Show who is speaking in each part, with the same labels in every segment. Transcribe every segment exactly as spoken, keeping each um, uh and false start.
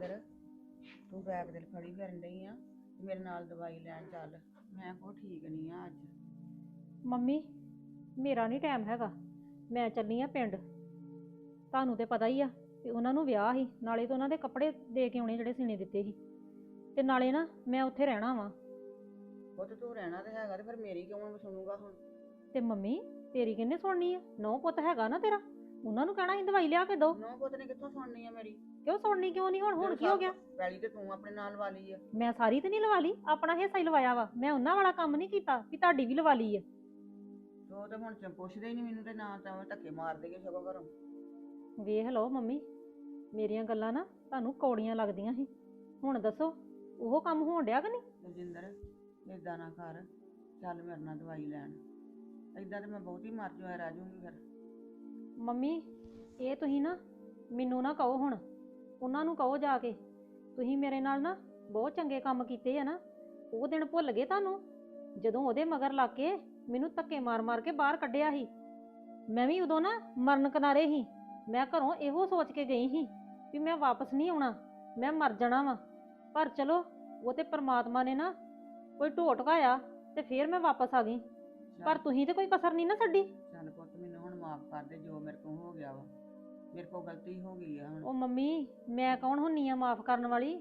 Speaker 1: ਦਲਜਿੰਦਰ ਤੂੰ ਬੈਗ ਦੇ ਫੜੀ ਫਿਰਨ ਡਈ ਆ ਮੇਰੇ ਨਾਲ ਦਵਾਈ ਲੈਣ ਚੱਲ। ਮੈਂ ਕੋ ਠੀਕ ਨਹੀਂ ਆ ਅੱਜ।
Speaker 2: ਮੰਮੀ ਮੇਰਾ ਨਹੀਂ ਟਾਈਮ ਹੈਗਾ, ਮੈਂ ਚੱਲੀ ਆ ਪਿੰਡ। ਤੁਹਾਨੂੰ ਤੇ ਪਤਾ ਹੀ ਆ ਕਿ ਉਹਨਾਂ ਨੂੰ ਵਿਆਹ ਸੀ, ਨਾਲੇ ਤਾਂ ਉਹਨਾਂ ਦੇ ਕੱਪੜੇ ਦੇ ਕੇ ਆਉਣੇ ਜਿਹੜੇ ਸੀਨੇ ਦਿੱਤੇ ਸੀ, ਤੇ ਨਾਲੇ ਨਾ ਮੈਂ ਉੱਥੇ ਰਹਿਣਾ ਵਾ।
Speaker 1: ਉਹ ਤੇ ਤੂੰ ਰਹਿਣਾ ਤੇ ਹੈਗਾ ਤੇ ਫਿਰ ਮੇਰੀ ਕਿਉਂ ਸੁਣੂਗਾ ਹੁਣ?
Speaker 2: ਤੇ ਮੰਮੀ ਤੇਰੀ ਕਿਹਨੇ ਸੁਣਨੀ ਆ? ਨੌ ਪੁੱਤ ਹੈਗਾ ਨਾ ਤੇਰਾ, ਉਹਨਾਂ ਨੂੰ ਕਹਿਣਾ ਸੀ ਦਵਾਈ ਲਿਆ ਕੇ ਦੋ।
Speaker 1: ਨੌ ਪੁੱਤ ਨੇ ਕਿੱਥੋਂ ਸੁਣਨੀ ਆ ਮੇਰੀ?
Speaker 2: ਕਿਉਂ ਸੁਣਨੀ ਕਿਉਂ ਨਹੀਂ? ਹੁਣ ਹੁਣ ਕੀ ਹੋ ਗਿਆ?
Speaker 1: ਪੈਲੀ ਤੇ ਤੂੰ ਆਪਣੇ ਨਾਲ ਲਵਾ ਲਈ ਆ।
Speaker 2: ਮੈਂ ਸਾਰੀ ਤੇ ਨਹੀਂ ਲਵਾ ਲਈ, ਆਪਣਾ ਹਿੱਸਾ ਹੀ ਲਵਾਇਆ ਵਾ। ਮੈਂ ਉਹਨਾਂ ਵਾਲਾ ਕੰਮ ਨਹੀਂ ਕੀਤਾ ਵੀ ਤੁਹਾਡੀ ਵੀ ਲਵਾ ਲਈ ਆ।
Speaker 1: ਉਹ ਤੇ ਹੁਣ ਚ ਪੁੱਛਦੇ ਹੀ ਨਹੀਂ ਮੈਨੂੰ ਤੇ ਨਾ ਤਾਂ ਧੱਕੇ ਮਾਰ ਦੇਗੇ ਸਗੋਂ ਘਰੋਂ।
Speaker 2: ਵੇਖ ਲਓ ਮੰਮੀ, ਮੇਰੀਆਂ ਗੱਲਾਂ ਨਾ ਤੁਹਾਨੂੰ ਕੌੜੀਆਂ ਲੱਗਦੀਆਂ ਸੀ। ਹੁਣ ਦੱਸੋ ਉਹ ਕੰਮ ਹੋਣ ਡਿਆ ਕਿ ਨਹੀਂ?
Speaker 1: ਦਲਜਿੰਦਰ ਏਦਾਂ ਨਾ ਕਰ, ਚੱਲ ਮੇਰੇ ਨਾਲ ਦਵਾਈ ਲੈਣ। ਏਦਾਂ ਤੇ ਮੈਂ ਬਹੁਤੀ ਮਰ ਜਾ ਰਹਿ ਜੂਗੀ ਫਿਰ।
Speaker 2: ਮੰਮੀ ਇਹ ਤੁਸੀਂ ਨਾ ਮੈਨੂੰ ਨਾ ਕਹੋ, ਹੁਣ ਉਹਨਾਂ ਨੂੰ ਕਹੋ ਜਾ ਕੇ। ਤੁਸੀਂ ਮੇਰੇ ਨਾਲ ਨਾ ਬਹੁਤ ਚੰਗੇ ਕੰਮ ਕੀਤੇ ਆ ਨਾ, ਉਹ ਦਿਨ ਭੁੱਲ ਗਏ ਤੁਹਾਨੂੰ ਜਦੋਂ ਉਹਦੇ ਮਗਰ ਲੱਗ ਕੇ ਮੈਨੂੰ ਧੱਕੇ ਮਾਰ ਮਾਰ ਕੇ ਬਾਹਰ ਕੱਢਿਆ ਸੀ। ਮੈਂ ਵੀ ਉਦੋਂ ਨਾ ਮਰਨ ਕਿਨਾਰੇ ਸੀ। ਮੈਂ ਘਰੋਂ ਇਹੋ ਸੋਚ ਕੇ ਗਈ ਸੀ ਵੀ ਮੈਂ ਵਾਪਸ ਨਹੀਂ ਆਉਣਾ, ਮੈਂ ਮਰ ਜਾਣਾ ਵਾ। ਪਰ ਚਲੋ ਉਹ ਤੇ ਪ੍ਰਮਾਤਮਾ ਨੇ ਨਾ ਕੋਈ ਢੋ ਟਕਾਇਆ ਤੇ ਫੇਰ ਮੈਂ ਵਾਪਸ ਆ ਗਈ। ਪਰ ਤੁਸੀਂ ਤੇ ਕੋਈ ਕਸਰ ਨਹੀਂ ਨਾ ਛੱਡੀ।
Speaker 1: ਚੱਲ ਪੁੱਤ ਮੈਨੂੰ ਹੁਣ ਮਾਫ ਕਰ ਦੇ, ਜੋ ਮੇਰੇ ਕੋਲ ਹੋ ਗਿਆ ਵਾ, ਮੇਰੇ ਕੋਲ ਗਲਤੀ ਹੋ ਗਈ ਆ ਹੁਣ।
Speaker 2: ਉਹ ਮੰਮੀ ਮੈਂ ਕੌਣ ਹੁੰਨੀ ਆ ਮਾਫ ਕਰਨ ਵਾਲੀ?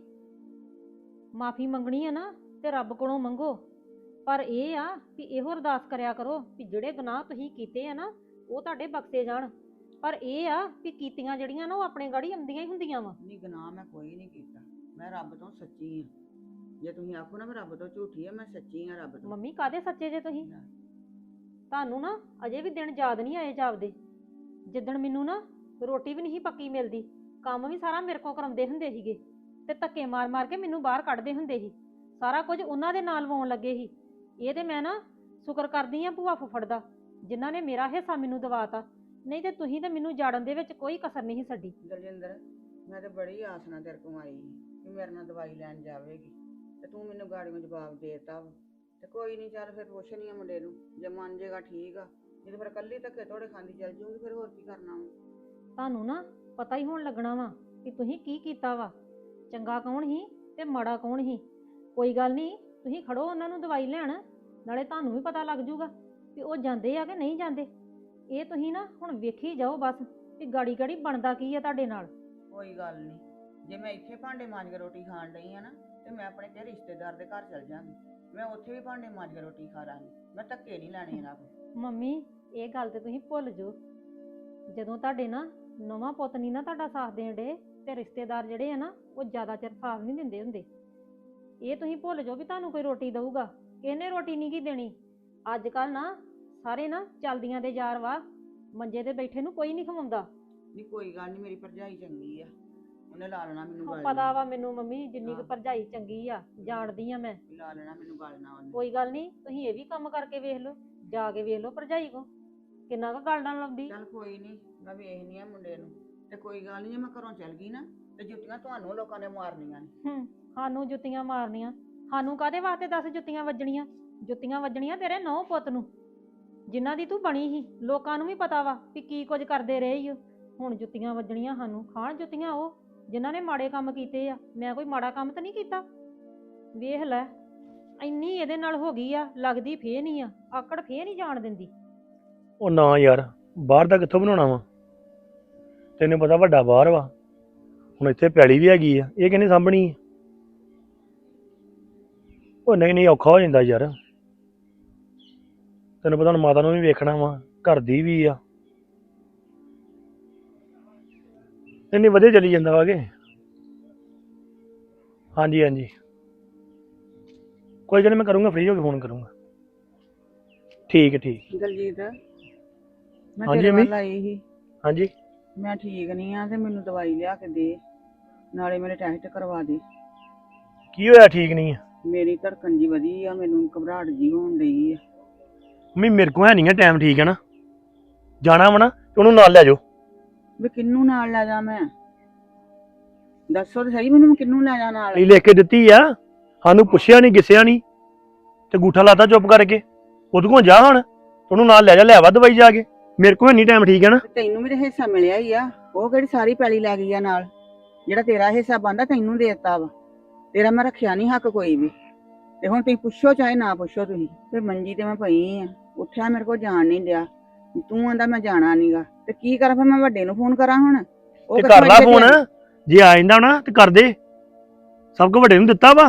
Speaker 2: ਮਾਫੀ ਮੰਗਣੀ ਆ ਨਾ ਤੇ ਰੱਬ ਕੋਲੋਂ ਮੰਗੋ, ਪਰ ਇਹ ਆ ਵੀ ਇਹੋ ਅਰਦਾਸ ਕਰਿਆ ਕਰੋ ਵੀ ਜਿਹੜੇ ਗੁਨਾਹ ਤੁਸੀਂ ਕੀਤੇ ਆ ਨਾ ਉਹ ਤੁਹਾਡੇ ਬਖਸ਼ੇ ਜਾਣ। ਪਰ ਇਹ ਆ ਵੀ ਕੀਤੀਆਂ ਜਿਹੜੀਆਂ ਨਾ ਉਹ ਆਪਣੇ ਗਾੜੀ ਆਉਂਦੀਆਂ ਹੀ ਹੁੰਦੀਆਂ ਵਾ।
Speaker 1: ਨਹੀਂ ਗੁਨਾਹ ਮੈਂ ਕੋਈ ਨਹੀਂ ਕੀਤਾ, ਮੈਂ ਰੱਬ ਤੋਂ ਸੱਚੀ ਆ। ਜੇ ਤੁਸੀਂ ਆਖੋ ਨਾ ਮੈਂ ਰੱਬ ਤੋਂ ਝੂਠੀ ਆ, ਮੈਂ ਸੱਚੀ ਆ ਰੱਬ ਤੋਂ।
Speaker 2: ਮੰਮੀ ਕਾਹਦੇ ਸੱਚੇ ਜੇ ਤੁਸੀਂ? ਤੁਹਾਨੂੰ ਨਾ ਅਜੇ ਵੀ ਦਿਨ ਯਾਦ ਨਹੀਂ ਆਏ ਜਾਪਦੇ, ਜਿੱਦਣ ਮੈਨੂੰ ਨਾ ਰੋਟੀ ਵੀ ਨਹੀਂ ਪੱਕੀ ਮਿਲਦੀ, ਕੰਮ ਵੀ ਸਾਰਾ ਮੇਰੇ ਕੋਲ ਕਰਾਉਂਦੇ ਹੁੰਦੇ ਸੀਗੇ ਤੇ ਧੱਕੇ ਮਾਰ ਮਾਰ ਕੇ ਮੈਨੂੰ ਬਾਹਰ ਕੱਢਦੇ ਹੁੰਦੇ ਸੀ। ਸਾਰਾ ਕੁਝ ਉਹਨਾਂ ਦੇ ਨਾਲ ਵਾਉਣ ਲੱਗੇ ਸੀ। ਇਹ ਤੇ ਮੈਂ ਨਾ ਸ਼ੁਕਰ ਕਰਦੀ ਆ ਭੂਆ ਫੁੱਫੜ ਦਾ, ਜਿਨ੍ਹਾਂ ਨੇ ਮੇਰਾ ਹਿੱਸਾ ਮੈਨੂੰ ਦਵਾਤਾ। ਨਹੀਂ ਤੇ ਤੁਸੀਂ ਤੇ ਮੈਨੂੰ ਜਾੜਨ ਦੇ ਵਿੱਚ ਕੋਈ ਕਸਰ ਨਹੀਂ ਛੱਡੀ।
Speaker 1: ਦਲਜਿੰਦਰ ਮੈਂ ਤੇ ਬੜੀ ਆਸ ਨਾਲ ਤੇਰੇ ਕੋਲ ਆਈ ਕਿ ਮੇਰੇ ਨਾਲ ਦਵਾਈ ਲੈਣ ਜਾਵੇਗੀ ਤੇ ਤੂੰ ਮੈਨੂੰ ਗਾੜੀਆਂ ਜਵਾਬ ਦੇਤਾ ਵਾ। ਤੇ ਕੋਈ ਨਹੀਂ, ਚੱਲ ਫਿਰ ਪੁੱਛ ਨਹੀਂ ਆ ਮੁੰਡੇ ਨੂੰ, ਜੇ ਮੰਨ ਜੇਗਾ ਠੀਕ ਆ, ਨਹੀਂ ਤੇ ਫਿਰ ਇਕੱਲੀ ਧੱਕੇ ਥੋੜੇ ਖਾਂਦੀ ਚੱਲ ਜੂਗੀ। ਫਿਰ ਹੋਰ ਕੀ ਕਰਨਾ ਵਾ?
Speaker 2: ਤੁਹਾਨੂੰ ਨਾ ਪਤਾ ਹੀ ਹੋਣ ਲੱਗਣਾ ਵਾ ਕਿ ਤੁਸੀਂ ਕੀ ਕੀਤਾ ਵਾ, ਚੰਗਾ ਕੌਣ ਸੀ ਤੇ ਮਾੜਾ ਕੌਣ ਸੀ। ਕੋਈ ਗੱਲ ਨਹੀਂ, ਤੁਸੀਂ ਖੜੋ ਉਹਨਾਂ ਨੂੰ ਦਵਾਈ ਲੈਣ, ਨਾਲੇ ਤੁਹਾਨੂੰ ਵੀ ਪਤਾ ਲੱਗ ਜੂਗਾ ਕਿ ਉਹ ਜਾਂਦੇ ਆ ਕਿ ਨਹੀਂ ਜਾਂਦੇ। ਇਹ ਤੁਸੀਂ ਨਾ ਹੁਣ ਵੇਖੀ ਜਾਓ ਬਸ ਕਿ ਗਾੜੀ ਗਾੜੀ ਬਣਦਾ ਕੀ ਆ ਤੁਹਾਡੇ ਨਾਲ।
Speaker 1: ਕੋਈ ਗੱਲ ਨਹੀਂ, ਜੇ ਮੈਂ ਇੱਥੇ ਭਾਂਡੇ ਮਾਂਜ ਕੇ ਰੋਟੀ ਖਾਣ ਡਈ ਆ ਨਾ ਤੇ ਮੈਂ ਆਪਣੇ ਕਿਸੇ ਰਿਸ਼ਤੇਦਾਰ ਦੇ ਘਰ ਚਲ ਜਾਂਗੀ, ਮੈਂ ਉੱਥੇ ਵੀ ਭਾਂਡੇ ਮਾਂਜ ਕੇ ਰੋਟੀ ਖਾ ਲਾਂਗੀ। ਮੈਂ ਧੱਕੇ ਨਹੀਂ ਲੈਣੇ ਇਹਨਾਂ ਕੋਲ।
Speaker 2: ਮੰਮੀ ਇਹ ਗੱਲ ਤੇ ਤੁਸੀਂ ਭੁੱਲ ਜਾਓ, ਜਦੋਂ ਤੁਹਾਡੇ ਨਾ ਨਵਾਂ ਪੁੱਤ ਨਹੀਂ ਨਾ ਤੁਹਾਡਾ ਸਾਥ ਦੇਣ ਡੇ ਤੇ ਰਿਸ਼ਤੇਦਾਰ ਜਿਹੜੇ ਆ ਨਾ ਉਹ ਜ਼ਿਆਦਾ ਚਿਰ ਸਾਥ ਨਹੀਂ ਦਿੰਦੇ ਹੁੰਦੇ। ਇਹ ਤੁਸੀਂ ਭੁੱਲ ਜਾਓ ਵੀ ਤੁਹਾਨੂੰ ਕੋਈ ਰੋਟੀ ਦਊਗਾ, ਕਿਹਨੇ ਰੋਟੀ ਨਹੀਂ ਕੀ ਦੇਣੀ। ਅੱਜ ਕੱਲ ਨਾ ਸਾਰੇ ਨਾ ਚੱਲਦੀਆਂ ਦੇ ਯਾਰ ਵਾ, ਮੰਜੇ ਤੇ ਬੈਠੇ ਨੂੰ ਕੋਈ ਨਹੀਂ ਖਵਾਉਂਦਾ।
Speaker 1: ਨਹੀਂ ਕੋਈ ਗੱਲ ਨਹੀਂ, ਮੇਰੀ ਭਰਜਾਈ ਚੰਗੀ ਆ, ਉਹਨੇ ਲਾ ਲੈਣਾ ਮੈਨੂੰ
Speaker 2: ਉਹ
Speaker 1: ਗੱਲ।
Speaker 2: ਪਤਾ ਵਾ ਮੈਨੂੰ ਮੰਮੀ, ਜਿੰਨੀ ਕੁ ਭਰਜਾਈ ਚੰਗੀ ਆ ਜਾਣਦੀ ਆ ਮੈਂ।
Speaker 1: ਲਾ ਲੈਣਾ ਮੈਨੂੰ ਗੱਲ ਨਾ ਉਹਨੇ।
Speaker 2: ਕੋਈ ਗੱਲ ਨਹੀਂ, ਤੁਸੀਂ ਇਹ ਵੀ ਕੰਮ ਕਰਕੇ ਵੇਖ ਲਓ, ਜਾ ਕੇ ਵੇਖ ਲਓ ਭਰਜਾਈ ਕੋ ਕਿੰਨਾ ਕੁ ਗੱਲ ਨਾਲ ਲਾਉਂਦੀ।
Speaker 1: ਚੱਲ ਕੋਈ ਨਹੀਂ, ਮੈਂ ਵੇਖਨੀ ਆ ਮੁੰਡੇ ਨੂੰ। ਤੇ ਕੋਈ ਗੱਲ ਨਹੀਂ, ਜੇ ਮੈਂ ਘਰੋਂ ਚੱਲ ਗਈ ਨਾ ਤੇ ਜੁੱਤੀਆਂ ਤੁਹਾਨੂੰ ਲੋਕਾਂ ਨੇ ਮਾਰਨੀਆਂ ਨੇ।
Speaker 2: ਹੂੰ, ਸਾਨੂੰ ਜੁੱਤੀਆਂ ਮਾਰਨੀਆਂ? ਸਾਨੂੰ ਕਾਹਦੇ ਵਾਸਤੇ ਦੱਸ ਜੁੱਤੀਆਂ ਵੱਜਣੀਆਂ? ਜੁੱਤੀਆਂ ਵੱਜਣੀਆਂ ਤੇਰੇ ਨੌ ਪੁੱਤ ਨੂੰ, ਜਿਨ੍ਹਾਂ ਦੀ ਤੂੰ ਬਣੀ ਸੀ। ਲੋਕਾਂ ਨੂੰ ਵੀ ਪਤਾ ਵਾ ਵੀ ਕੀ ਕੁਝ ਕਰਦੇ ਰਹੇ ਈ ਓ। ਹੁਣ ਜੁੱਤੀਆਂ ਵੱਜਣੀਆਂ ਸਾਨੂੰ? ਖਾਣ ਜੁੱਤੀਆਂ ਉਹ ਜਿਨ੍ਹਾਂ ਨੇ ਮਾੜੇ ਕੰਮ ਕੀਤੇ ਆ। ਮੈਂ ਕੋਈ ਮਾੜਾ ਕੰਮ ਤਾਂ ਨਹੀਂ ਕੀਤਾ। ਵੇਖ ਲੈ ਇੰਨੀ ਇਹਦੇ ਨਾਲ ਹੋ ਗਈ ਆ, ਲੱਗਦੀ ਫੇਰ ਨਹੀਂ ਆ, ਆਕੜ ਫੇਰ ਨਹੀਂ ਜਾਣ ਦਿੰਦੀ।
Speaker 3: ਉਹ ਨਾ ਯਾਰ, ਬਾਹਰ ਦਾ ਕਿੱਥੋਂ ਬਣਾਉਣਾ ਵਾ? ਤੈਨੂੰ ਪਤਾ ਵੱਡਾ ਬਾਹਰ ਵਾ, ਹੁਣ ਇੱਥੇ ਪੈਲੀ ਵੀ ਹੈਗੀ ਆ, ਇਹ ਕਿਹਨੇ ਸਾਂਭਣੀ ਆ? ਉਹ ਨਹੀਂ ਨਹੀਂ, ਔਖਾ ਹੋ ਜਾਂਦਾ ਯਾਰ। ਤੈਨੂੰ ਪਤਾ ਹੁਣ ਮਾਤਾ ਨੂੰ ਵੀ ਵੇਖਣਾ ਵਾ, ਘਰ ਦੀ ਵੀ ਆ। ਇੰਨੀ ਵਧੀਆ ਚੱਲੀ ਜਾਂਦਾ ਵਾ ਕਿ। ਹਾਂਜੀ ਹਾਂਜੀ ਕੋਈ ਗੱਲ ਨਹੀਂ, ਮੈਂ ਕਰੂੰਗਾ, ਫ੍ਰੀ ਹੋ ਕੇ ਫੋਨ ਕਰੂੰਗਾ। ਠੀਕ ਹੈ ਠੀਕ।
Speaker 1: ਦਲਜੀਤ ਮੈਂ
Speaker 3: ਹਾਂਜੀ
Speaker 1: ਤੇਰੇ
Speaker 3: ਮੰਮੀ।
Speaker 1: ਵੱਲ ਆਈ ਸੀ।
Speaker 3: ਹਾਂਜੀ
Speaker 1: ਮੈਂ ਠੀਕ ਨਹੀਂ ਆ ਤੇ ਮੈਨੂੰ ਦਵਾਈ ਲਿਆ ਕੇ ਦੇ, ਨਾਲੇ ਮੇਰੇ ਟੈਸਟ ਕਰਵਾ ਦੇ।
Speaker 3: ਕੀ ਹੋਇਆ? ਠੀਕ ਨਹੀਂ ਆ?
Speaker 1: ਮੇਰੀ ਧੜਕਣ ਜੀ ਵਧੀ ਆ, ਮੈਨੂੰ ਘਬਰਾਹਟ ਜੀ ਹੋਣ ਡਈ ਆ।
Speaker 3: ਮੰਮੀ ਮੇਰੇ ਕੋਲ ਹੈ ਨਹੀਂ ਆ ਟਾਈਮ, ਠੀਕ ਹੈ ਨਾ? ਜਾਣਾ ਵਾ ਨਾ ਤੇ ਉਹਨੂੰ ਨਾਲ ਲੈ ਜਾਓ।
Speaker 1: ਵੀ ਕਿਹਨੂੰ ਨਾਲ ਲੈ ਜਾ? ਮੈਂ ਦੱਸੋ ਤੇ ਸਹੀ ਮੈਨੂੰ, ਕਿਹਨੂੰ ਲੈ ਜਾ ਨਾਲ?
Speaker 3: ਇਹ ਲਿਖ ਕੇ ਦਿੱਤੀ ਆ, ਸਾਨੂੰ ਪੁੱਛਿਆ ਨਹੀਂ ਗਿੱਸਿਆ ਨਹੀਂ ਤੇ ਗੂਠਾ ਲਾਤਾ ਚੁੱਪ ਕਰਕੇ। ਉਹਦੇ ਕੋਲ ਜਾ ਹੁਣ, ਉਹਨੂੰ ਨਾਲ ਲੈ ਜਾ, ਲੈ ਵਾ ਦਵਾਈ ਜਾ ਕੇ। ਮੇਰੇ ਕੋਲ ਨਹੀਂ ਟਾਈਮ, ਠੀਕ ਹੈ ਨਾ?
Speaker 1: ਤੈਨੂੰ ਵੀ ਤੇ ਹਿੱਸਾ ਮਿਲਿਆ ਹੀ ਆ, ਉਹ ਕਿਹੜੀ ਸਾਰੀ ਪੈਲੀ ਲੈ ਗਈ ਆ ਨਾਲ? ਜਿਹੜਾ ਤੇਰਾ ਹਿੱਸਾ ਬਣਦਾ ਤੈਨੂੰ ਦੇ ਦਿੱਤਾ ਵਾ, ਤੇਰਾ ਮੈਂ ਰੱਖਿਆ ਨਹੀਂ ਹੱਕ ਕੋਈ ਵੀ। ਤੇ ਹੁਣ ਤੁਸੀਂ ਪੁੱਛੋ ਚਾਹੇ ਨਾ ਪੁੱਛੋ, ਤੁਸੀਂ ਤੇ ਮੰਜੀ ਤੇ ਮੈਂ ਪਈ ਆ, ਉੱਠਿਆ ਮੇਰੇ ਕੋਲ ਜਾਣ ਨਹੀਂ ਡਿਆ, ਤੂੰ ਆਂਦਾ ਮੈਂ ਜਾਣਾ ਨਹੀਂਗਾ, ਤੇ ਕੀ ਕਰਾਂ ਫਿਰ? ਮੈਂ ਵੱਡੇ ਨੂੰ ਫੋਨ ਕਰਾਂ ਹੁਣ? ਉਹ
Speaker 3: ਤੇ
Speaker 1: ਕਿੱਥੋਂ
Speaker 3: ਕਰ ਲਾ
Speaker 1: ਇੱਥੇ
Speaker 3: ਫੋਨ,
Speaker 1: ਲਿਆਈ?
Speaker 3: ਜੇ ਆ ਜਾਂਦਾ ਨਾ ਤੇ ਕਰ ਦੇ, ਸਭ ਕੁਝ ਵੱਡੇ ਨੂੰ ਦਿੱਤਾ ਵਾ।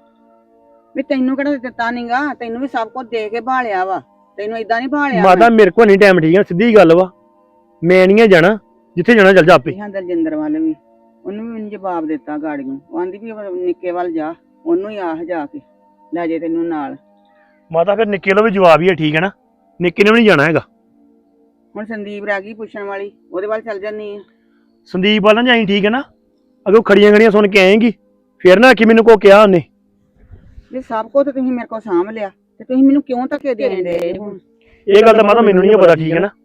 Speaker 1: ਵੀ ਤੈਨੂੰ ਕਿਹੜਾ ਦਿੱਤਾ ਨਹੀਂਗਾ, ਤੈਨੂੰ ਵੀ ਸਭ ਕੁਝ ਦੇ ਕੇ ਭਾਲਿਆ ਵਾ, ਤੈਨੂੰ ਏਦਾਂ ਨਹੀਂ ਭਾਲਿਆ।
Speaker 3: ਮਾਤਾ ਮੇਰੇ ਕੋਲ ਨਹੀਂ ਟਾਈਮ, ਠੀਕ ਆ, ਸਿੱਧੀ ਗੱਲ ਵਾ, ਮੈਂ ਨਹੀਂ ਜਾਣਾ, ਜਿੱਥੇ ਜਾਣਾ ਚੱਲ ਜਾ ਆਪੇ।
Speaker 1: ਹਾਂ ਦਲਜਿੰਦਰ ਵੱਲ ਵੀ ਉਹਨੂੰ ਵੀ ਮੈਨੂੰ ਜਵਾਬ ਦਿੱਤਾ ਗਾੜੀਆਂ, ਉਹ ਆਂਦੀ ਵੀ ਨਿੱਕੇ ਵੱਲ ਜਾ, ਉਹਨੂੰ ਹੀ ਆਹ ਜਾ ਕੇ ਲੈ ਜੇ ਤੈਨੂੰ ਨਾਲ।
Speaker 3: ਮਾਤਾ ਫਿਰ ਨਿੱਕੇ ਲੋ ਵੀ ਜਵਾਬ ਹੀ ਹੈ, ਠੀਕ ਹੈ ਨਾ, ਨਿੱਕੇ ਨੇ ਵੀ ਨਹੀਂ ਜਾਣਾ ਹੈਗਾ।
Speaker 1: ਹੁਣ ਸੰਦੀਪ ਰਹਿ ਗਈ ਪੁੱਛਣ ਵਾਲੀ, ਉਹਦੇ ਵੱਲ ਚੱਲ ਜਾਨੀ ਆ।
Speaker 3: ਸੰਦੀਪ ਵਾਲਾ ਜਾਈ, ਠੀਕ ਹੈ ਨਾ, ਅਗੋ ਖੜੀਆਂ ਖੜੀਆਂ ਸੁਣ ਕੇ ਆਏਗੀ, ਫਿਰ ਨਾ ਕਿ ਮੈਨੂੰ ਕੋ ਕਿਹਾ ਉਹਨੇ।
Speaker 1: ਜੇ ਸਭ ਕੁਝ ਤੁਸੀਂ ਮੇਰੇ ਕੋਲ ਸਾਂਭ ਲਿਆ ਤੇ ਤੁਸੀਂ ਮੈਨੂੰ ਕਿਉਂ ਧੱਕੇ ਦੇਣ ਦੇ ਹੁਣ?
Speaker 3: ਇਹ ਗੱਲ ਤਾਂ ਮਾਤਾ ਮੈਨੂੰ ਨਹੀਂ ਪਤਾ, ਠੀਕ ਹੈ ਨਾ,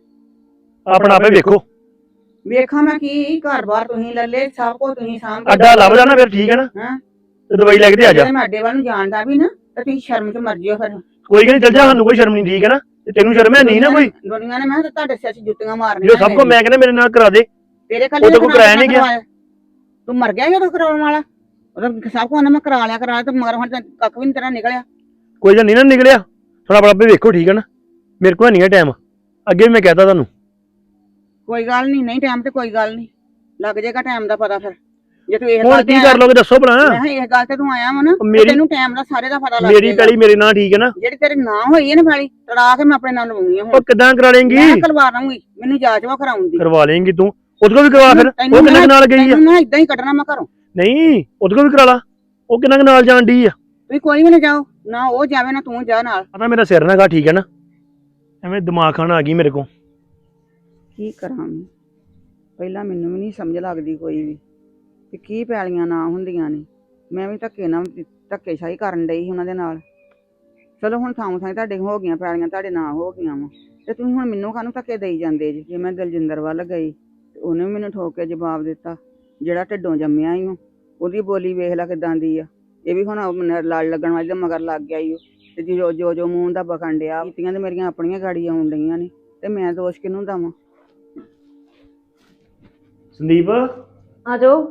Speaker 3: ਆਪਣਾ ਆਪੇ ਵੇਖੋ।
Speaker 1: ਵੇਖਾਂ ਮੈਂ ਕੀ, ਘਰ ਬਾਰ ਤੁਸੀਂ ਲੈ ਲੈ, ਸਭ ਕੁਝ ਤੁਸੀਂ ਸਾਂਭ ਕੇ
Speaker 3: ਅੱਡਾ ਲੱਭ ਜਾਣਾ ਫਿਰ, ਠੀਕ ਹੈ ਨਾ,
Speaker 1: ਹਾਂ
Speaker 3: ਤੇ ਦਵਾਈ ਲੈ ਕੇ ਤੇ ਆ ਜਾ।
Speaker 1: ਜੇ ਮੈਂ ਅੱਡੇ ਵੱਲ ਨੂੰ ਜਾਣਦਾ ਵੀ ਨਾ ਤੇ ਤੁਸੀਂ ਸ਼ਰਮ ਚ ਮਰ ਜਿਓ ਫਿਰ।
Speaker 3: ਕੋਈ ਗੱਲ ਨਹੀਂ, ਚੱਲ ਜਾ, ਸਾਨੂੰ ਕੋਈ ਸ਼ਰਮ ਨਹੀਂ, ਠੀਕ ਹੈ ਨਾ, ਤੇ ਤੈਨੂੰ ਸ਼ਰਮ ਹੈ ਨਹੀਂ ਨਾ ਕੋਈ?
Speaker 1: ਦੁਨੀਆ ਨੇ ਮੈਂ ਕਿਹਾ ਤੁਹਾਡੇ ਸਿਰ 'ਚ ਜੁੱਤੀਆਂ ਮਾਰਨੀਆਂ।
Speaker 3: ਜੋ ਸਭ ਕੋ ਮੈਂ ਕਹਿੰਦਾ ਮੇਰੇ ਨਾਲ ਕਰਾ ਦੇ,
Speaker 1: ਤੇਰੇ
Speaker 3: ਉਹ ਤਾਂ ਕੋਈ ਕਰਾਇਆ ਨਹੀਂ ਗਿਆ।
Speaker 1: ਤੂੰ ਮਰ ਗਿਆ ਜਦੋਂ ਕਰਾਉਣ ਵਾਲਾ, ਉਹਦਾ ਸਭ ਕੁਝ ਮੈਂ ਕਰਾ ਲਿਆ ਕਰਾ ਲਿਆ ਤੇ ਮਗਰ ਹੁਣ ਤਾਂ ਕੱਖ ਵੀ ਨਹੀਂ ਤੇਰਾ ਨਿਕਲਿਆ।
Speaker 3: ਕੋਈ ਜਾਂ ਨਹੀਂ ਨਾ ਨਿਕਲਿਆ, ਥੋੜਾ ਬੜਾ ਆਪੇ ਵੇਖੋ, ਠੀਕ ਹੈ ਨਾ, ਮੇਰੇ ਕੋਲ ਨਹੀਂ ਹੈ ਟਾਈਮ, ਅੱਗੇ ਵੀ ਮੈਂ ਕਹਿਤਾ ਤੁਹਾਨੂੰ।
Speaker 1: ਕੋਈ ਗੱਲ ਨਹੀਂ, ਨਹੀਂ ਟਾਈਮ ਤੇ ਕੋਈ ਗੱਲ ਨਹੀਂ, ਲੱਗ ਜਾਏਗਾ ਟਾਈਮ ਦਾ ਪਤਾ ਫਿਰ। ਜੇ ਤੂੰ ਇਹ
Speaker 3: ਹੁਣ
Speaker 1: ਗੱਲ
Speaker 3: ਕੀ ਕਰ ਲੋਗੇ ਦੱਸੋ ਭਲਾ?
Speaker 1: ਮੈਂ ਕਿਹਾ ਇਸ ਗੱਲ ਤੇ ਤੂੰ ਆਇਆ ਵਾ ਨਾ,
Speaker 3: ਮੇਰੀ-
Speaker 1: ਤੈਨੂੰ ਟਾਈਮ ਦਾ ਸਾਰੇ ਦਾ ਪਤਾ ਲੱਗ
Speaker 3: ਮੇਰੀ
Speaker 1: ਜਾਏਗਾ।
Speaker 3: ਪੈਲੀ ਮੇਰੇ ਨਾਲ, ਠੀਕ ਹੈ ਨਾ,
Speaker 1: ਜਿਹੜੀ ਤੇਰੇ ਨਾਂ ਹੋਈ ਹੈ ਨਾ ਪੈਲੀ, ਤੜਾ ਕੇ ਮੈਂ ਆਪਣੇ ਨਾਲ ਲਵਾਉਣੀ ਆ ਹੁਣ।
Speaker 3: ਉਹ ਕਿੱਦਾਂ ਕਰਾ ਲੇਂਗੀ?
Speaker 1: ਮੈਂ ਕਰਵਾ ਦਊਂਗੀ, ਮੈਨੂੰ ਜਾਂਚ ਵਾ ਕਰਾਉਣ ਦੀ।
Speaker 3: ਕਰਵਾ ਲੇਂਗੀ ਤੂੰ, ਉਹਦੇ ਕੋਲ ਵੀ ਕਰਵਾ ਫਿਰ,
Speaker 1: ਤੈਨੂੰ
Speaker 3: ਉਹ ਕਿੰਨੇ ਕੁ ਨਾਲ ਗਈ ਆ?
Speaker 1: ਤੈਨੂੰ ਨਾ ਇਦਾਂ ਹੀ ਕੱਢਣਾ ਮੈਂ ਘਰੋਂ।
Speaker 3: ਨਹੀਂ, ਉਹਦੇ ਕੋਲ ਵੀ ਕਰਾ ਲਾ, ਉਹ ਕਿੰਨਾ ਕੁ ਨਾਲ ਜਾਣ ਡਈ ਆ।
Speaker 1: ਤੁਸੀਂ ਕੋਈ ਵੀ ਨਾ ਜਾਓ, ਨਾ ਉਹ ਜਾਵੇ ਨਾ ਤੂੰ ਜਾ ਨਾਲ।
Speaker 3: ਪਤਾ ਮੇਰਾ ਸਿਰ ਨਾ ਗਾ, ਠੀਕ ਹੈ ਨਾ, ਐਵੇਂ ਦਿਮਾਗ ਖਾਣਾ ਆ ਗਈ ਮੇਰੇ ਕੋਲ।
Speaker 1: ਕੀ ਕਰਾਂ ਮੈਂ? ਪਹਿਲਾਂ ਮੈਨੂੰ ਵੀ ਨਹੀਂ ਸਮਝ ਲੱਗਦੀ ਕੋਈ ਵੀ ਕਿ ਕੀ ਪੈਲੀਆਂ ਨਾ ਹੁੰਦੀਆਂ ਨੇ। ਮੈਂ ਵੀ ਧੱਕੇ ਨਾਲ ਧੱਕੇਸ਼ਾਹੀ ਕਰਨ ਡਈ ਸੀ ਉਹਨਾਂ ਦੇ ਨਾਲ। ਚਲੋ ਹੁਣ ਥਾਂ ਥਾਂ ਤੁਹਾਡੇ ਹੋ ਗਈਆਂ ਪੈਲੀਆਂ, ਤੁਹਾਡੇ ਨਾਂ ਹੋ ਗਈਆਂ ਵਾ, ਤੇ ਤੁਸੀਂ ਹੁਣ ਮੈਨੂੰ ਕਾਹਨੂੰ ਧੱਕੇ ਦੇਈ ਜਾਂਦੇ ਜੀ? ਜੇ ਮੈਂ ਦਲਜਿੰਦਰ ਵੱਲ ਗਈ ਤੇ ਉਹਨੇ ਵੀ ਮੈਨੂੰ ਠੋਕ ਕੇ ਜਵਾਬ ਦਿੱਤਾ, ਜਿਹੜਾ ਢਿੱਡੋਂ ਜੰਮਿਆ ਹੀ ਉਹਦੀ ਬੋਲੀ ਵੇਖ ਲੈ ਕਿਦਾਂ ਦੀ ਆ। ਇਹ ਵੀ ਹੁਣ ਲੜ ਲੱਗਣ ਵਾਲੀ ਦੇ ਮਗਰ ਲੱਗ ਗਿਆ ਈ, ਤੇ ਜੋ ਜੋ ਜੋ ਮੂੰਹ ਦਾ ਬਕਣ ਡਿਆ, ਕੀਤੀਆਂ ਤੇ ਮੇਰੀਆਂ ਆਪਣੀਆਂ ਗਾੜੀ ਆਉਣ ਡਈਆਂ ਨੇ, ਤੇ ਮੈਂ ਦੋਸ਼ ਕਿਹਨੂੰ ਦਵਾਂ?
Speaker 3: ਸੰਦੀਪ
Speaker 2: ਆ ਜਾਓ।